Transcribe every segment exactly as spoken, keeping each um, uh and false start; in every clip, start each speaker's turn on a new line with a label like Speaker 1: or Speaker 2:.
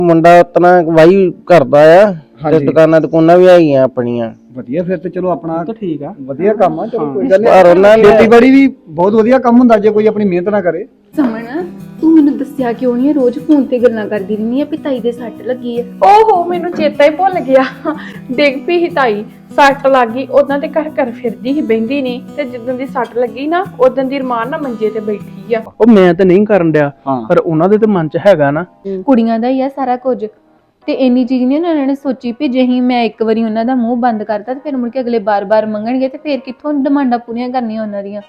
Speaker 1: ਮੁੰਡਾ ਉਤਨਾ ਵਾਈ ਕਰਦਾ ਆ ਤੇ ਦੁਕਾਨਾਂ ਦੁਕਾਨਾਂ ਵੀ ਹੈਗੀਆਂ ਆਪਣੀਆਂ।
Speaker 2: ਵਧੀਆ ਫਿਰ ਤੇ ਚਲੋ ਆਪਣਾ
Speaker 3: ਤਾਂ ਠੀਕ ਆ,
Speaker 2: ਵਧੀਆ ਕੰਮ ਆ। ਚਲੋ ਕੋਈ ਗੱਲ
Speaker 1: ਪਰ ਉਹਨਾਂ
Speaker 2: ਨਹੀਂ,
Speaker 1: ਨੇ
Speaker 2: ਖੇਤੀਬਾੜੀ ਵੀ ਬਹੁਤ ਵਧੀਆ ਕੰਮ ਹੁੰਦਾ ਜੇ ਕੋਈ ਆਪਣੀ ਮਿਹਨਤ ਨਾ ਕਰੇ।
Speaker 4: ਸਮਣ ਤੂੰ ਮੈਨੂੰ ਦੱਸਿਆ ਕਿਉਂ ਨਹੀਂ? ਰੋਜ਼ ਫੋਨ ਤੇ ਗੱਲਾਂ ਕਰਦੀ ਰਹਿੰਦੀ ਆ ਵੀ ਤਾਈ ਦੇ ਸੱਟ ਲੱਗੀ ਆ।
Speaker 5: ਓਹੋ ਮੈਨੂੰ ਚੇਤਾ ਹੀ ਭੁੱਲ ਗਿਆ। ਡਿੱਗ ਪਈ ਸੀ ਤਾਈ, ਸੱਟ ਲੱਗ ਗਈ। ਉਦਾਂ ਤੇ ਘਰ ਘਰ ਫਿਰਦੀ ਸੀ, ਬਹਿੰਦੀ ਨਹੀਂ, ਤੇ ਜਿੱਦਾਂ ਦੀ ਸੱਟ ਲੱਗੀ ਨਾ ਉਦਾਂ ਦੀ ਰਮਾਨ ਨਾ ਮੰਜੇ ਤੇ ਬੈਠੀ ਆ।
Speaker 3: ਉਹ ਮੈਂ ਤਾਂ ਨਹੀਂ ਕਰਨ ਡਿਆ, ਪਰ ਉਹਨਾਂ ਦੇ ਤਾਂ ਮਨ 'ਚ ਹੈਗਾ ਨਾ।
Speaker 4: ਕੁੜੀਆਂ ਦਾ ਹੀ ਆ ਸਾਰਾ ਕੁਝ, ਤੇ ਇੰਨੀ ਚੀਜ਼ ਨਹੀਂ ਉਹਨਾਂ ਨੇ ਸੋਚੀ ਵੀ ਜੇ ਹੀ ਮੈਂ ਇੱਕ ਵਾਰੀ ਉਹਨਾਂ ਦਾ ਮੂੰਹ ਬੰਦ ਕਰਤਾ ਤੇ ਫਿਰ ਮੁੜ ਕੇ ਅਗਲੇ ਬਾਰ-ਬਾਰ ਮੰਗਣਗੇ ਤੇ ਫਿਰ ਕਿੱਥੋਂ ਡਿਮਾਂਡਾਂ ਪੂਰੀਆਂ ਕਰਨੀਆਂ ਉਹਨਾਂ ਦੀਆਂ।